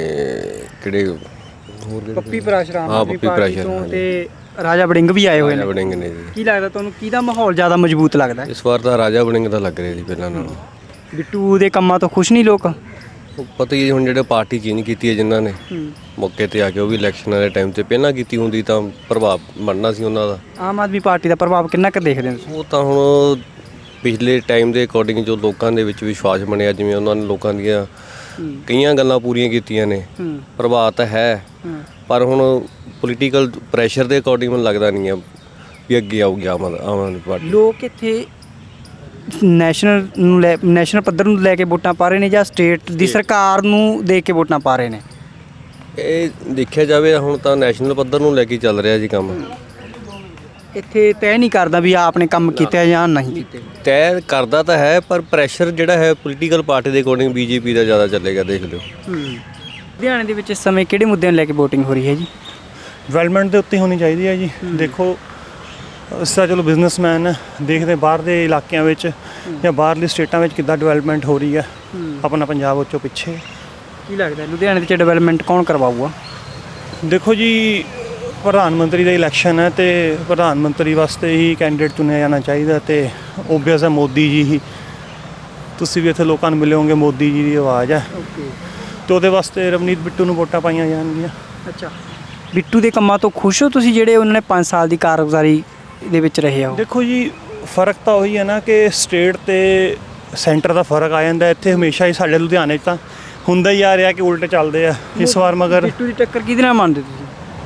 [SPEAKER 14] ਕਿਹੜੇ ਹੋਰ
[SPEAKER 3] ਪੱਪੀ ਪਰਾਸ਼ਰਾਮ
[SPEAKER 14] ਹਾਂ ਪੱਪੀ ਪਰਾਸ਼ਰਾਮ
[SPEAKER 3] ਤੇ ਰਾਜਾ ਵੜਿੰਗ ਵੀ ਆਏ ਹੋਏ ਨੇ।
[SPEAKER 14] ਵੜਿੰਗ ਨੇ ਜੀ।
[SPEAKER 3] ਕੀ ਲੱਗਦਾ ਤੁਹਾਨੂੰ, ਕਿਹਦਾ ਮਾਹੌਲ ਜ਼ਿਆਦਾ ਮਜ਼ਬੂਤ ਲੱਗਦਾ
[SPEAKER 14] ਇਸ ਵਾਰ ਤਾਂ ਰਾਜਾ ਵੜਿੰਗ ਦਾ ਲੱਗ ਰਿਹਾ ਜੀ ਪਹਿਲਾਂ ਨਾਲੋਂ।
[SPEAKER 3] ਬਿੱਟੂ ਦੇ ਕੰਮਾਂ ਤੋਂ ਖੁਸ਼ ਨਹੀਂ ਲੋਕ?
[SPEAKER 14] ਪਤਾ ਹੀ ਹੁਣ ਜਿਹੜੇ ਪਾਰਟੀ ਚੇਂਜ ਕੀਤੀ ਹੈ ਜਿਨ੍ਹਾਂ ਨੇ ਮੌਕੇ ਤੇ ਆ ਕੇ, ਉਹ ਵੀ ਇਲੈਕਸ਼ਨਾਂ ਦੇ ਟਾਈਮ ਤੇ ਪਹਿਲਾਂ ਕੀਤੀ ਹੁੰਦੀ ਤਾਂ ਪ੍ਰਭਾਵ ਬਣਨਾ ਸੀ ਉਹਨਾਂ ਦਾ।
[SPEAKER 3] ਆਮ ਆਦਮੀ ਪਾਰਟੀ ਦਾ ਪ੍ਰਭਾਵ ਕਿੰਨਾ ਕੁ ਦੇਖਦੇ ਹੋ?
[SPEAKER 14] ਉਹ ਤਾਂ ਹੁਣ ਪਿਛਲੇ ਟਾਈਮ ਦੇ ਅਕੋਰਡਿੰਗ ਜੋ ਲੋਕਾਂ ਦੇ ਵਿੱਚ ਵਿਸ਼ਵਾਸ ਬਣਿਆ, ਜਿਵੇਂ ਉਹਨਾਂ ਨੇ ਲੋਕਾਂ ਦੀਆਂ ਕਈਆਂ ਗੱਲਾਂ ਪੂਰੀਆਂ ਕੀਤੀਆਂ ਨੇ, ਪ੍ਰਭਾਵ ਤਾਂ ਹੈ। ਪਰ ਹੁਣ ਪੋਲੀਟੀਕਲ ਪ੍ਰੈਸ਼ਰ ਦੇ ਅਕੋਰਡਿੰਗ ਮੈਨੂੰ ਲੱਗਦਾ ਨਹੀਂ ਹੈ ਵੀ ਅੱਗੇ ਆਊਗੀ ਆਮ ਆਦਮੀ ਪਾਰਟੀ।
[SPEAKER 3] ਲੋਕ ਇੱਥੇ ਨੈਸ਼ਨਲ ਪੱਧਰ ਨੂੰ ਲੈ ਕੇ ਵੋਟਾਂ ਪਾ ਰਹੇ ਨੇ ਜਾਂ ਸਟੇਟ ਦੀ ਸਰਕਾਰ ਨੂੰ ਦੇਖ ਕੇ ਵੋਟਾਂ ਪਾ ਰਹੇ ਨੇ?
[SPEAKER 14] ਇਹ ਦੇਖਿਆ ਜਾਵੇ ਹੁਣ ਤਾਂ ਨੈਸ਼ਨਲ ਪੱਧਰ ਨੂੰ ਲੈ ਕੇ ਚੱਲ ਰਿਹਾ ਜੀ ਕੰਮ।
[SPEAKER 3] ਇੱਥੇ ਤੈਅ ਨਹੀਂ ਕਰਦਾ ਵੀ ਆਪ ਨੇ ਕੰਮ ਕੀਤੇ ਜਾਂ ਨਹੀਂ ਕੀਤੇ।
[SPEAKER 14] ਤੈਅ ਕਰਦਾ ਤਾਂ ਹੈ, ਪਰ ਪ੍ਰੈਸ਼ਰ ਜਿਹੜਾ ਹੈ ਪੋਲੀਟੀਕਲ ਪਾਰਟੀ ਦੇ ਅਕੋਰਡਿੰਗ ਬੀਜੇਪੀ ਦਾ ਜ਼ਿਆਦਾ ਚੱਲੇਗਾ, ਦੇਖ ਲਿਓ।
[SPEAKER 3] ਲੁਧਿਆਣੇ ਦੇ ਵਿੱਚ ਇਸ ਸਮੇਂ ਕਿਹੜੇ ਮੁੱਦਿਆਂ ਨੂੰ ਲੈ ਕੇ VOTING ਹੋ ਰਹੀ ਹੈ ਜੀ?
[SPEAKER 15] ਡਿਵੈਲਪਮੈਂਟ ਦੇ ਉੱਤੇ ਹੋਣੀ ਚਾਹੀਦੀ ਹੈ ਜੀ। ਦੇਖੋ ਅਸਾਂ ਚਲੋ ਬਿਜ਼ਨਸਮੈਨ ਦੇਖਦੇ ਬਾਹਰ ਦੇ ਇਲਾਕਿਆਂ ਵਿੱਚ ਜਾਂ ਬਾਹਰਲੀ ਸਟੇਟਾਂ ਵਿੱਚ ਕਿੱਦਾਂ ਡਿਵੈਲਪਮੈਂਟ ਹੋ ਰਹੀ ਹੈ, ਆਪਣਾ ਪੰਜਾਬ ਉੱਚੋਂ ਪਿੱਛੇ।
[SPEAKER 3] ਕੀ ਲੱਗਦਾ ਲੁਧਿਆਣੇ ਵਿੱਚ ਡਿਵੈਲਪਮੈਂਟ ਕੌਣ ਕਰਵਾਊਗਾ?
[SPEAKER 15] ਦੇਖੋ ਜੀ, ਪ੍ਰਧਾਨ ਮੰਤਰੀ ਦਾ ਇਲੈਕਸ਼ਨ ਹੈ ਤੇ ਪ੍ਰਧਾਨ ਮੰਤਰੀ ਵਾਸਤੇ ਹੀ ਕੈਂਡੀਡੇਟ ਚੁਣਿਆ ਜਾਣਾ ਚਾਹੀਦਾ ਤੇ ਓਬਵੀਅਸ ਹੈ ਮੋਦੀ ਜੀ ਹੀ। ਤੁਸੀਂ ਵੀ ਇੱਥੇ ਲੋਕਾਂ ਨੂੰ ਮਿਲੇ ਹੋਗੇ, ਮੋਦੀ ਜੀ ਦੀ ਆਵਾਜ਼ ਹੈ ਤੇ ਉਹਦੇ ਵਾਸਤੇ ਰਵਨੀਤ ਬਿੱਟੂ ਨੂੰ ਵੋਟਾਂ ਪਾਈਆਂ ਜਾਣਗੀਆਂ।
[SPEAKER 3] ਅੱਛਾ, ਬਿੱਟੂ ਦੇ ਕੰਮਾਂ ਤੋਂ ਖੁਸ਼ ਹੋ ਤੁਸੀਂ ਜਿਹੜੇ ਉਹਨਾਂ ਨੇ 5 ਸਾਲ ਦੀ ਕਾਰਗੁਜ਼ਾਰੀ ਦੇ ਵਿੱਚ ਰਹੇ ਆ?
[SPEAKER 15] ਦੇਖੋ ਜੀ, ਫਰਕ ਤਾਂ ਉਹੀ ਹੈ ਨਾ ਕਿ ਸਟੇਟ ਤੇ ਸੈਂਟਰ ਦਾ ਫਰਕ ਆ ਜਾਂਦਾ। ਇੱਥੇ ਹਮੇਸ਼ਾ ਹੀ ਸਾਡੇ ਲੁਧਿਆਣੇ 'ਚ ਤਾਂ ਹੁੰਦਾ ਹੀ ਆ ਰਿਹਾ ਕਿ ਉਲਟ ਚੱਲਦੇ ਆ। ਇਸ ਵਾਰ ਮਗਰ
[SPEAKER 3] ਬਿੱਟੂ ਦੀ ਟੱਕਰ ਕਿਹਦੇ ਨਾਲ ਮੰਨਦੇ ਤੁਸੀਂ?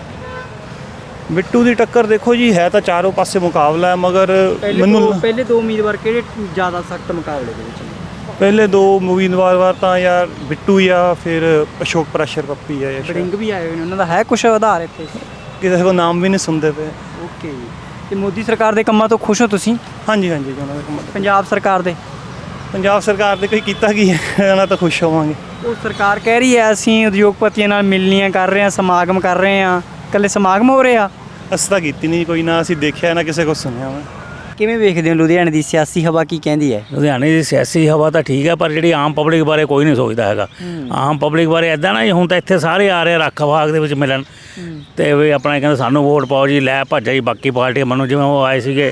[SPEAKER 15] ਬਿੱਟੂ ਦੀ ਟੱਕਰ ਦੇਖੋ ਜੀ, ਹੈ ਤਾਂ ਚਾਰੋਂ ਪਾਸੇ ਮੁਕਾਬਲਾ ਹੈ, ਮਗਰ ਮੈਨੂੰ
[SPEAKER 3] ਪਹਿਲੇ 2 ਉਮੀਦਵਾਰ ਕਿਹੜੇ ਜ਼ਿਆਦਾ ਸਖਤ ਮੁਕਾਬਲੇ ਦੇ ਵਿੱਚ?
[SPEAKER 15] ਪਹਿਲੇ 2 ਉਮੀਦਵਾਰ ਤਾਂ ਯਾਰ ਬਿੱਟੂ ਜਾਂ ਫਿਰ ਅਸ਼ੋਕ ਪ੍ਰੈਸ਼ਰ ਪੱਪੀ ਹੈ।
[SPEAKER 3] ਵੜਿੰਗ ਵੀ ਆਏ ਹੋਏ ਨੇ, ਉਹਨਾਂ ਦਾ ਹੈ ਕੁਛ ਆਧਾਰ ਇੱਥੇ?
[SPEAKER 15] ਕਿਸੇ ਕੋਲ ਨਾਮ ਵੀ ਨਹੀਂ ਸੁਣਦੇ ਪਏ।
[SPEAKER 3] ਓਕੇ, ਤੇ ਮੋਦੀ ਸਰਕਾਰ ਦੇ ਕੰਮਾਂ ਤੋਂ ਖੁਸ਼ ਹੋ ਤੁਸੀਂ?
[SPEAKER 15] ਹਾਂਜੀ ਹਾਂਜੀ, ਉਹਨਾਂ ਦੇ ਕੰਮਾਂ।
[SPEAKER 3] ਪੰਜਾਬ ਸਰਕਾਰ ਦੇ?
[SPEAKER 15] ਪੰਜਾਬ ਸਰਕਾਰ ਦੇ ਕੋਈ ਕੀਤਾ ਕੀ ਹੈ, ਉਹਨਾਂ ਤਾਂ ਖੁਸ਼ ਹੋਵਾਂਗੇ।
[SPEAKER 3] ਉਹ ਸਰਕਾਰ ਕਹਿ ਰਹੀ ਹੈ ਅਸੀਂ ਉਦਯੋਗਪਤੀਆਂ ਨਾਲ ਮਿਲਣੀਆਂ ਕਰ ਰਹੇ ਹਾਂ, ਸਮਾਗਮ ਕਰ ਰਹੇ ਹਾਂ। ਇਕੱਲੇ ਸਮਾਗਮ ਹੋ ਰਹੇ ਆ?
[SPEAKER 15] ਅਸੀਂ ਤਾਂ ਕੀਤੀ ਨਹੀਂ ਕੋਈ, ਨਾ ਅਸੀਂ ਦੇਖਿਆ ਨਾ ਕਿਸੇ ਕੋਲ ਸੁਣਿਆ ਵਾ।
[SPEAKER 3] ਕਿਵੇਂ ਵੇਖਦੇ ਹੋ ਲੁਧਿਆਣੇ ਦੀ ਸਿਆਸੀ ਹਵਾ ਕੀ ਕਹਿੰਦੀ ਹੈ?
[SPEAKER 16] ਲੁਧਿਆਣੇ ਦੀ ਸਿਆਸੀ ਹਵਾ ਤਾਂ ਠੀਕ ਹੈ, ਪਰ ਜਿਹੜੀ ਆਮ ਪਬਲਿਕ ਬਾਰੇ ਕੋਈ ਨਹੀਂ ਸੋਚਦਾ ਹੈਗਾ। ਆਮ ਪਬਲਿਕ ਬਾਰੇ ਇੱਦਾਂ ਨਾ, ਹੁਣ ਤਾਂ ਇੱਥੇ ਸਾਰੇ ਆ ਰਹੇ ਰੱਖ ਬਾਗ ਦੇ ਵਿੱਚ ਮਿਲਣ ਤੇ ਵੀ ਆਪਣਾ ਕਹਿੰਦੇ ਸਾਨੂੰ ਵੋਟ ਪਾਓ ਜੀ, ਲੈ ਭੱਜਾ ਜੀ ਬਾਕੀ ਪਾਰਟੀਆਂ ਮੈਨੂੰ। ਜਿਵੇਂ ਉਹ ਆਏ ਸੀਗੇ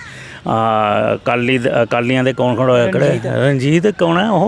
[SPEAKER 16] ਅਕਾਲੀਆਂ ਦੇ ਕੌਣ ਖੜਾ ਹੋਇਆ, ਕਿਹੜੇ ਰਣਜੀਤ ਕੌਣ ਹੈ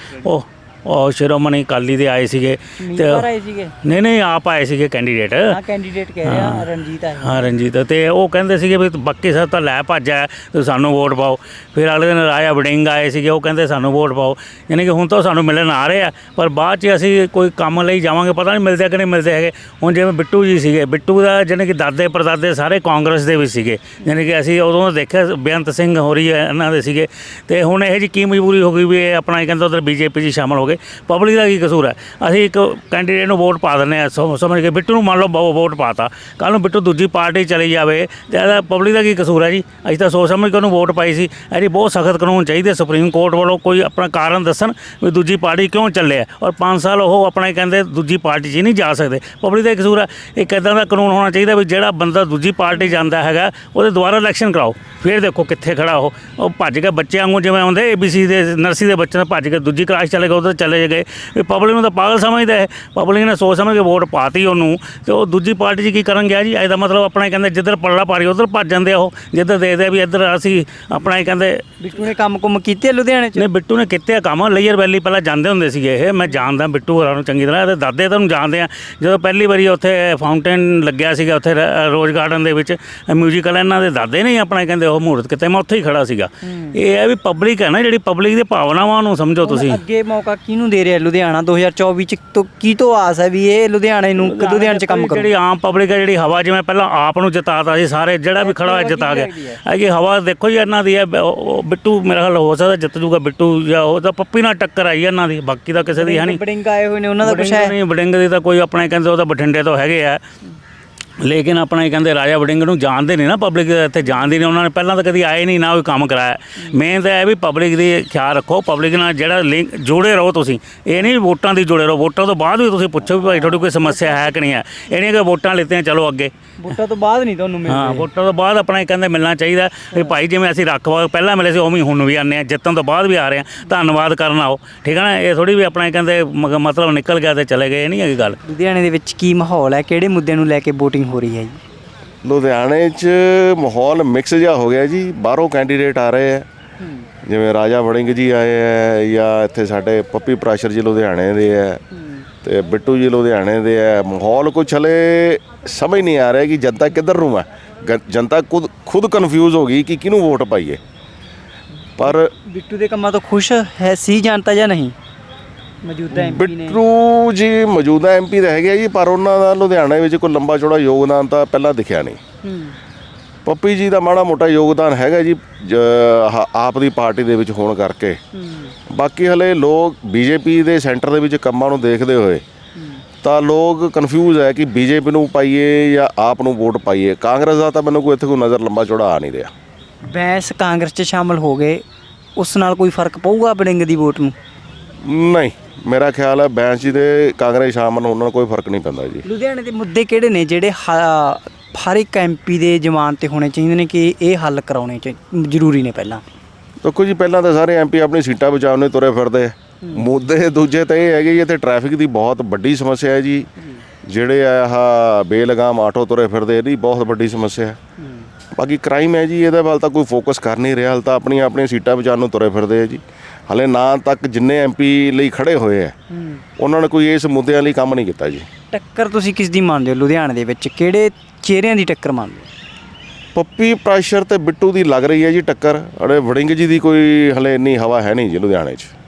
[SPEAKER 16] ਉਹ ਸ਼੍ਰੋਮਣੀ ਅਕਾਲੀ ਦੇ ਆਏ ਸੀਗੇ ਤੇ ਨਹੀਂ ਆਪ ਆਏ ਸੀਗੇ ਕੈਂਡੀਡੇਟ।
[SPEAKER 3] ਕੈਂਡੀਡੇਟ ਕਹਿ ਰਿਹਾ ਰਣਜੀਤ ਆਏ।
[SPEAKER 16] ਹਾਂ ਰਣਜੀਤ, ਤੇ ਉਹ ਕਹਿੰਦੇ ਸੀਗੇ ਵੀ ਬਾਕੀ ਸਭ ਤਾਂ ਲੈ ਭੱਜਿਆ ਤੇ ਸਾਨੂੰ ਵੋਟ ਪਾਓ। ਫਿਰ ਅਗਲੇ ਦਿਨ ਰਾਜਾ ਵੜਿੰਗ ਆਏ ਸੀਗੇ, ਉਹ ਕਹਿੰਦੇ ਸਾਨੂੰ ਵੋਟ ਪਾਓ। ਯਾਨੀ ਕਿ ਹੁਣ ਤਾਂ ਸਾਨੂੰ ਮਿਲਣ ਆ ਰਹੇ ਆ, ਪਰ ਬਾਅਦ 'ਚ ਅਸੀਂ ਕੋਈ ਕੰਮ ਲਈ ਜਾਵਾਂਗੇ ਪਤਾ ਨਹੀਂ ਮਿਲਦੇ ਕਿ ਨਹੀਂ ਮਿਲਦੇ ਹੈਗੇ। ਹੁਣ ਜਿਵੇਂ ਬਿੱਟੂ ਜੀ ਸੀਗੇ, ਬਿੱਟੂ ਦਾ ਯਾਨੀ ਕਿ ਦਾਦੇ ਪੜਦਾਦੇ ਸਾਰੇ ਕਾਂਗਰਸ ਦੇ ਵਿੱਚ ਸੀਗੇ। ਯਾਨੀ ਕਿ ਅਸੀਂ ਉਦੋਂ ਦੇਖਿਆ ਬੇਅੰਤ ਸਿੰਘ ਹੋਰੀ ਇਹਨਾਂ ਦੇ ਸੀਗੇ, ਤੇ ਹੁਣ ਇਹ ਜੀ ਕੀ ਮਜਬੂਰੀ ਹੋ ਗਈ ਵੀ ਇਹ ਆਪਣਾ ਕਹਿੰਦਾ ਉਧਰ BJP 'ਚ ਸ਼ਾਮਲ ਹੋ ਗਏ। ਜਾਓਗੇ। ਪਬਲਿਕ ਦਾ ਕੀ ਕਸੂਰ ਹੈ? ਅਸੀਂ ਇੱਕ ਕੈਂਡੀਡੇਟ ਨੂੰ ਵੋਟ ਪਾ ਦਿੰਦੇ ਆ ਸਮਝ ਕੇ, ਬਿੱਟੂ ਨੂੰ ਮੰਨ ਲਓ ਵੋਟ ਪਾਤਾ, ਕੱਲ੍ਹ ਨੂੰ ਬਿੱਟੂ ਦੂਜੀ ਪਾਰਟੀ ਚਲੀ ਜਾਵੇ ਤੇ ਇਹਦਾ ਪਬਲਿਕ ਦਾ ਕੀ ਕਸੂਰ ਹੈ ਜੀ? ਅਸੀਂ ਤਾਂ ਸੋਚ ਸਮਝ ਕੇ ਉਹਨੂੰ ਵੋਟ ਪਾਈ ਸੀ। ਇਹਦੀ ਬਹੁਤ ਸਖਤ ਕਾਨੂੰਨ ਚਾਹੀਦੇ ਸੁਪਰੀਮ ਕੋਰਟ ਵੱਲੋਂ, ਕੋਈ ਆਪਣਾ ਕਾਰਨ ਦੱਸਣ ਵੀ ਦੂਜੀ ਪਾਰਟੀ ਕਿਉਂ ਚੱਲਿਆ, ਔਰ 5 ਸਾਲ ਉਹ ਆਪਣਾ ਕਹਿੰਦੇ ਦੂਜੀ ਪਾਰਟੀ 'ਚ ਹੀ ਨਹੀਂ ਜਾ ਸਕਦੇ। ਪਬਲਿਕ ਦਾ ਕਸੂਰ ਹੈ। ਇੱਕ ਇੱਦਾਂ ਦਾ ਕਾਨੂੰਨ ਹੋਣਾ ਚਾਹੀਦਾ ਵੀ ਜਿਹੜਾ ਬੰਦਾ ਦੂਜੀ ਪਾਰਟੀ ਜਾਂਦਾ ਹੈਗਾ ਉਹਦੇ ਦੁਬਾਰਾ ਇਲੈਕਸ਼ਨ ਕਰਾਓ। ਫਿਰ ਦੇਖੋ ਕਿੱਥੇ ਖੜਾ ਉਹ ਭੱਜ ਕੇ ਬੱਚਿਆਂ ਵਾਂਗੂ ਜਿਵੇਂ ਆਉਂਦੇ ABC ਦੇ ਨਰਸਰੀ ਦੇ ਬੱਚੇ ਭੱਜ ਕੇ ਦੂਜੀ ਕਲਾਸ ਚਲੇ ਗਏ, ਉਧਰ ਚਲੇ ਗਏ। ਵੀ ਪਬਲਿਕ ਨੂੰ ਤਾਂ ਪਾਗਲ ਸਮਝਦਾ ਹੈ। ਪਬਲਿਕ ਨੇ ਸੋਚ ਸਮਝ ਕੇ ਵੋਟ ਪਾਤੀ ਉਹਨੂੰ, ਤੇ ਉਹ ਦੂਜੀ ਪਾਰਟੀ 'ਚ ਕੀ ਕਰਨ ਗਿਆ ਜੀ? ਇਹਦਾ ਮਤਲਬ ਆਪਣਾ ਕਹਿੰਦੇ ਜਿੱਧਰ ਪੱਲਾ ਪਾਰੀ ਉਧਰ ਭੱਜ ਜਾਂਦੇ ਆ। ਉਹ ਜਿੱਧਰ ਦੇਖਦੇ ਵੀ ਇੱਧਰ ਅਸੀਂ ਆਪਣਾ ਹੀ ਕਹਿੰਦੇ।
[SPEAKER 3] ਬਿੱਟੂ ਨੇ ਕੰਮ ਕੀਤੇ ਲੁਧਿਆਣੇ 'ਚ?
[SPEAKER 16] ਨਹੀਂ, ਬਿੱਟੂ ਨੇ ਕੀਤੇ ਕੰਮ। ਲੇਅਰ ਵੈਲੀ ਪਹਿਲਾਂ ਜਾਂਦੇ ਹੁੰਦੇ ਸੀਗੇ ਇਹ, ਮੈਂ ਜਾਣਦਾ ਬਿੱਟੂ ਹੋਰਾਂ ਨੂੰ ਚੰਗੀ ਤਰ੍ਹਾਂ। ਇਹਦੇ ਦਾਦੇ ਤੁਹਾਨੂੰ ਜਾਣਦੇ ਆ। ਜਦੋਂ ਪਹਿਲੀ ਵਾਰੀ ਉੱਥੇ ਫਾਊਂਟੇਨ ਲੱਗਿਆ ਸੀਗਾ ਉੱਥੇ ਰੋਜ਼ ਗਾਰਡਨ ਦੇ ਵਿੱਚ ਮਿਊਜ਼ੀਕਲ, ਇਹਨਾਂ ਦੇ ਦਾਦੇ ਨੇ ਆਪਣਾ ਕਹਿੰਦੇ ਉਹ ਮਹੂਰਤ ਕਿਤੇ, ਮੈਂ ਉੱਥੇ ਹੀ ਖੜਾ ਸੀਗਾ। ਇਹ ਹੈ ਵੀ ਪਬਲਿਕ ਹੈ ਨਾ ਜਿਹੜੀ, ਪਬਲਿਕ ਦੀ ਭਾਵਨਾਵਾਂ ਨੂੰ ਸਮਝੋ ਤੁਸੀਂ।
[SPEAKER 3] ਅੱਗੇ ਮੌਕਾ ਕਿਹਨੂੰ ਦੇ ਰਿਹਾ ਲੁਧਿਆਣਾ 2024 ਚ? ਕੀ ਤੋਂ ਆਸ ਹੈ ਵੀ ਇਹ ਲੁਧਿਆਣੇ 'ਚ ਕੰਮ ਕਰੂ?
[SPEAKER 16] ਜਿਹੜੀ ਆਮ ਪਬਲਿਕ ਹੈ, ਜਿਹੜੀ ਹਵਾ, ਜਿਵੇਂ ਪਹਿਲਾਂ ਆਪ ਨੂੰ ਜਿਤਾਤਾ ਸੀ ਸਾਰੇ, ਜਿਹੜਾ ਵੀ ਖੜਾ ਹੋਇਆ ਜਿਤਾ ਗਿਆ। ਇਹ ਹਵਾ ਦੇਖੋ ਜੀ ਇਹਨਾਂ ਦੀ ਹੈ। ਬਿੱਟੂ ਮੇਰਾ ਖਿਆਲ ਹੋ ਸਕਦਾ ਜਿੱਤ ਜੂਗਾ ਬਿੱਟੂ, ਜਾਂ ਉਹ ਤਾਂ ਪੱਪੀ ਨਾਲ ਟੱਕਰ ਆਈ ਇਹਨਾਂ ਦੀ, ਬਾਕੀ ਤਾਂ ਕਿਸੇ ਦੀ ਹੈ ਨਹੀਂ।
[SPEAKER 3] ਬੜਿੰਗ ਆਏ ਹੋਏ ਨੇ, ਉਹਨਾਂ ਦਾ ਕੁਛ ਹੈ
[SPEAKER 16] ਨਹੀਂ। ਬੜਿੰਗ ਦੀ ਤਾਂ ਕੋਈ ਆਪਣੇ ਕਹਿੰਦੇ ਉਹ ਤਾਂ ਬਠਿੰਡੇ ਤੋਂ ਹੈਗੇ ਆ, ਲੇਕਿਨ ਆਪਣਾ ਕਹਿੰਦੇ ਰਾਜਾ ਵੜਿੰਗ ਨੂੰ ਜਾਣਦੇ ਨਹੀਂ ਨਾ ਪਬਲਿਕ, ਇੱਥੇ ਜਾਣਦੀ ਨਹੀਂ। ਉਹਨਾਂ ਨੇ ਪਹਿਲਾਂ ਤਾਂ ਕਦੀ ਆਏ ਨਹੀਂ ਨਾ ਕੋਈ ਕੰਮ ਕਰਾਇਆ। ਮੇਨ ਤਾਂ ਇਹ ਵੀ ਪਬਲਿਕ ਦੀ ਖਿਆਲ ਰੱਖੋ, ਪਬਲਿਕ ਨਾਲ ਜਿਹੜਾ ਲਿੰਕ ਜੁੜੇ ਰਹੋ ਤੁਸੀਂ। ਇਹ ਨਹੀਂ ਵੋਟਾਂ ਦੀ ਜੁੜੇ ਰਹੋ, ਵੋਟਾਂ ਤੋਂ ਬਾਅਦ ਵੀ ਤੁਸੀਂ ਪੁੱਛੋ ਵੀ ਭਾਈ ਤੁਹਾਡੀ ਕੋਈ ਸਮੱਸਿਆ ਹੈ ਕਿ ਨਹੀਂ ਹੈ। ਇਹ ਨਹੀਂ ਕਿ ਵੋਟਾਂ ਲਿੱਤੀਆਂ ਚਲੋ ਅੱਗੇ।
[SPEAKER 3] ਵੋਟਾਂ ਤੋਂ ਬਾਅਦ ਨਹੀਂ ਤੁਹਾਨੂੰ ਮਿਲਦੇ?
[SPEAKER 16] ਹਾਂ, ਵੋਟਾਂ ਤੋਂ ਬਾਅਦ ਆਪਣਾ ਕਹਿੰਦੇ ਮਿਲਣਾ ਚਾਹੀਦਾ ਵੀ ਭਾਈ ਜਿਵੇਂ ਅਸੀਂ ਰੱਖਵਾ ਪਹਿਲਾਂ ਮਿਲੇ ਸੀ ਉਵੇਂ ਹੁਣ ਵੀ ਆਉਂਦੇ ਹਾਂ, ਜਿੱਤਣ ਤੋਂ ਬਾਅਦ ਵੀ ਆ ਰਹੇ ਹਾਂ, ਧੰਨਵਾਦ ਕਰਨ ਆਓ। ਠੀਕ ਹੈ ਨਾ? ਇਹ ਥੋੜੀ ਵੀ ਆਪਣਾ ਕਹਿੰਦੇ ਮਤਲਬ ਨਿਕਲ ਗਿਆ ਤੇ ਚਲੇ ਗਏ, ਇਹ ਨਹੀਂ ਹੈਗੀ ਗੱਲ।
[SPEAKER 3] ਲੁਧਿਆਣੇ ਦੇ ਵਿੱਚ ਕੀ ਮਾਹੌਲ ਹੈ? ਕਿਹੜੇ ਮੁੱਦੇ ਨੂੰ ਲੈ ਕੇ VOTING ਹੋ ਰਹੀ ਹੈ ਜੀ?
[SPEAKER 17] ਲੁਧਿਆਣੇ 'ਚ ਮਾਹੌਲ ਮਿਕਸ ਜਿਹਾ ਹੋ ਗਿਆ ਜੀ। ਬਾਹਰੋਂ ਕੈਂਡੀਡੇਟ ਆ ਰਹੇ ਹੈ, ਜਿਵੇਂ ਰਾਜਾ ਵੜਿੰਗ ਜੀ ਆਏ ਹੈ, ਜਾਂ ਇੱਥੇ ਸਾਡੇ ਪੱਪੀ ਪ੍ਰਾਸ਼ਰ ਜੀ ਲੁਧਿਆਣੇ ਦੇ ਹੈ, ਤੇ ਬਿੱਟੂ ਜੀ ਲੁਧਿਆਣੇ ਦੇ ਹੈ। ਮਾਹੌਲ ਕੁਛ ਹਲੇ ਸਮਝ ਨਹੀਂ ਆ ਰਿਹਾ ਕਿ ਜਨਤਾ ਕਿੱਧਰ ਨੂੰ ਹੈ। ਜਨਤਾ ਖੁਦ ਕਨਫਿਊਜ਼ ਹੋ ਗਈ ਕਿ ਕਿਹਨੂੰ ਵੋਟ ਪਾਈਏ। ਪਰ
[SPEAKER 3] ਬਿੱਟੂ ਦੇ ਕੰਮਾਂ ਤੋਂ ਖੁਸ਼ ਹੈ ਸੀ ਜਨਤਾ ਜਾਂ ਨਹੀਂ? ਮੌਜੂਦਾ MP ਨੇ
[SPEAKER 17] ਬਿੱਟੂ ਜੀ ਮੌਜੂਦਾ MP ਤਾਂ ਹੈਗੇ ਜੀ, ਪਰ ਉਹਨਾਂ ਦਾ ਲੁਧਿਆਣੇ ਵਿੱਚ ਕੋਈ ਲੰਬਾ ਚੌੜਾ ਯੋਗਦਾਨ ਤਾਂ ਪਹਿਲਾਂ ਦਿਖਿਆ ਨਹੀਂ। ਪੱਪੀ ਜੀ ਦਾ ਮਾੜਾ ਮੋਟਾ ਯੋਗਦਾਨ ਹੈਗਾ ਜੀ ਆਪ ਦੀ ਪਾਰਟੀ ਦੇ ਵਿੱਚ ਹੋਣ ਕਰਕੇ। ਬਾਕੀ ਹਲੇ ਲੋਕ BJP ਦੇ ਸੈਂਟਰ ਦੇ ਵਿੱਚ ਕੰਮਾਂ ਨੂੰ ਦੇਖਦੇ ਹੋਏ ਤਾਂ ਲੋਕ ਕਨਫਿਊਜ਼ ਹੈ ਕਿ BJP ਨੂੰ ਪਾਈਏ ਜਾਂ ਆਪ ਨੂੰ ਵੋਟ ਪਾਈਏ। ਕਾਂਗਰਸ ਦਾ ਤਾਂ ਮੈਨੂੰ ਕੋਈ ਇੱਥੇ ਕੋਈ ਨਜ਼ਰ ਲੰਬਾ ਚੌੜਾ ਆ ਨਹੀਂ ਰਿਹਾ।
[SPEAKER 3] ਬੈਂਸ ਕਾਂਗਰਸ 'ਚ ਸ਼ਾਮਲ ਹੋ ਗਏ, ਉਸ ਨਾਲ ਕੋਈ ਫਰਕ ਪਊਗਾ ਵੜਿੰਗ ਦੀ ਵੋਟ ਨੂੰ?
[SPEAKER 17] ਨਹੀਂ, ਮੇਰਾ ਖਿਆਲ ਹੈ ਬੈਂਸ ਜੀ ਦੇ ਕਾਂਗਰਸ ਸ਼ਾਮਲ ਹੋਣ ਨਾਲ ਕੋਈ ਫਰਕ ਨਹੀਂ ਪੈਂਦਾ ਜੀ।
[SPEAKER 3] ਲੁਧਿਆਣੇ ਦੇ ਮੁੱਦੇ ਕਿਹੜੇ ਨੇ ਜਿਹੜੇ ਹਰ ਇੱਕ MP ਦੇ ਜ਼ਮਾਨ ਤੇ ਹੋਣੇ ਚਾਹੀਦੇ ਨੇ ਕਿ ਇਹ ਹੱਲ ਕਰਾਉਣੇ ਜ਼ਰੂਰੀ ਨੇ? ਪਹਿਲਾਂ
[SPEAKER 17] ਦੇਖੋ ਜੀ, ਪਹਿਲਾਂ ਤਾਂ ਸਾਰੇ MP ਆਪਣੀ ਸੀਟਾਂ ਬਚਾਉਣ ਨੂੰ ਤੁਰੇ ਫਿਰਦੇ। ਮੁੱਦੇ ਦੂਜੇ ਤਾਂ ਇਹ ਹੈਗੇ ਜੀ, ਇੱਥੇ ਟ੍ਰੈਫਿਕ ਦੀ ਬਹੁਤ ਵੱਡੀ ਸਮੱਸਿਆ ਹੈ ਜੀ। ਜਿਹੜੇ ਆਹ ਬੇਲਗਾਮ ਆਟੋ ਤੁਰੇ ਫਿਰਦੇ, ਇਹਦੀ ਬਹੁਤ ਵੱਡੀ ਸਮੱਸਿਆ ਹੈ। ਬਾਕੀ ਕ੍ਰਾਈਮ ਹੈ ਜੀ, ਇਹਦੇ ਵੱਲ ਤਾਂ ਕੋਈ ਫੋਕਸ ਕਰ ਨਹੀਂ ਰਿਹਾ। ਹਾਲੇ ਤਾਂ ਆਪਣੀਆਂ ਸੀਟਾਂ ਬਚਾਉਣ ਨੂੰ ਤੁਰੇ ਫਿਰਦੇ ਆ ਜੀ। ਹਲੇ ਨਾ ਤੱਕ ਜਿੰਨੇ MP ਲਈ ਖੜੇ ਹੋਏ ਆ ਉਹਨਾਂ ਨੇ ਕੋਈ ਇਸ ਮੁੱਦਿਆਂ ਲਈ ਕੰਮ ਨਹੀਂ ਕੀਤਾ ਜੀ।
[SPEAKER 3] ਟੱਕਰ ਤੁਸੀਂ ਕਿਸ ਦੀ ਮੰਨਦੇ ਹੋ ਲੁਧਿਆਣੇ ਦੇ ਵਿੱਚ? ਕਿਹੜੇ ਚਿਹਰਿਆਂ ਦੀ ਟੱਕਰ ਮੰਨਦੇ ਹੋ?
[SPEAKER 17] ਪੱਪੀ ਪ੍ਰਾਸ਼ਰ ਤੇ ਬਿੱਟੂ ਦੀ ਲੱਗ ਰਹੀ ਹੈ ਜੀ ਟੱਕਰ। ਅਰੇ ਵੜਿੰਗ ਜੀ ਦੀ ਕੋਈ ਹਲੇ ਇੰਨੀ ਹਵਾ ਹੈ ਨਹੀਂ ਜੀ ਲੁਧਿਆਣੇ 'ਚ।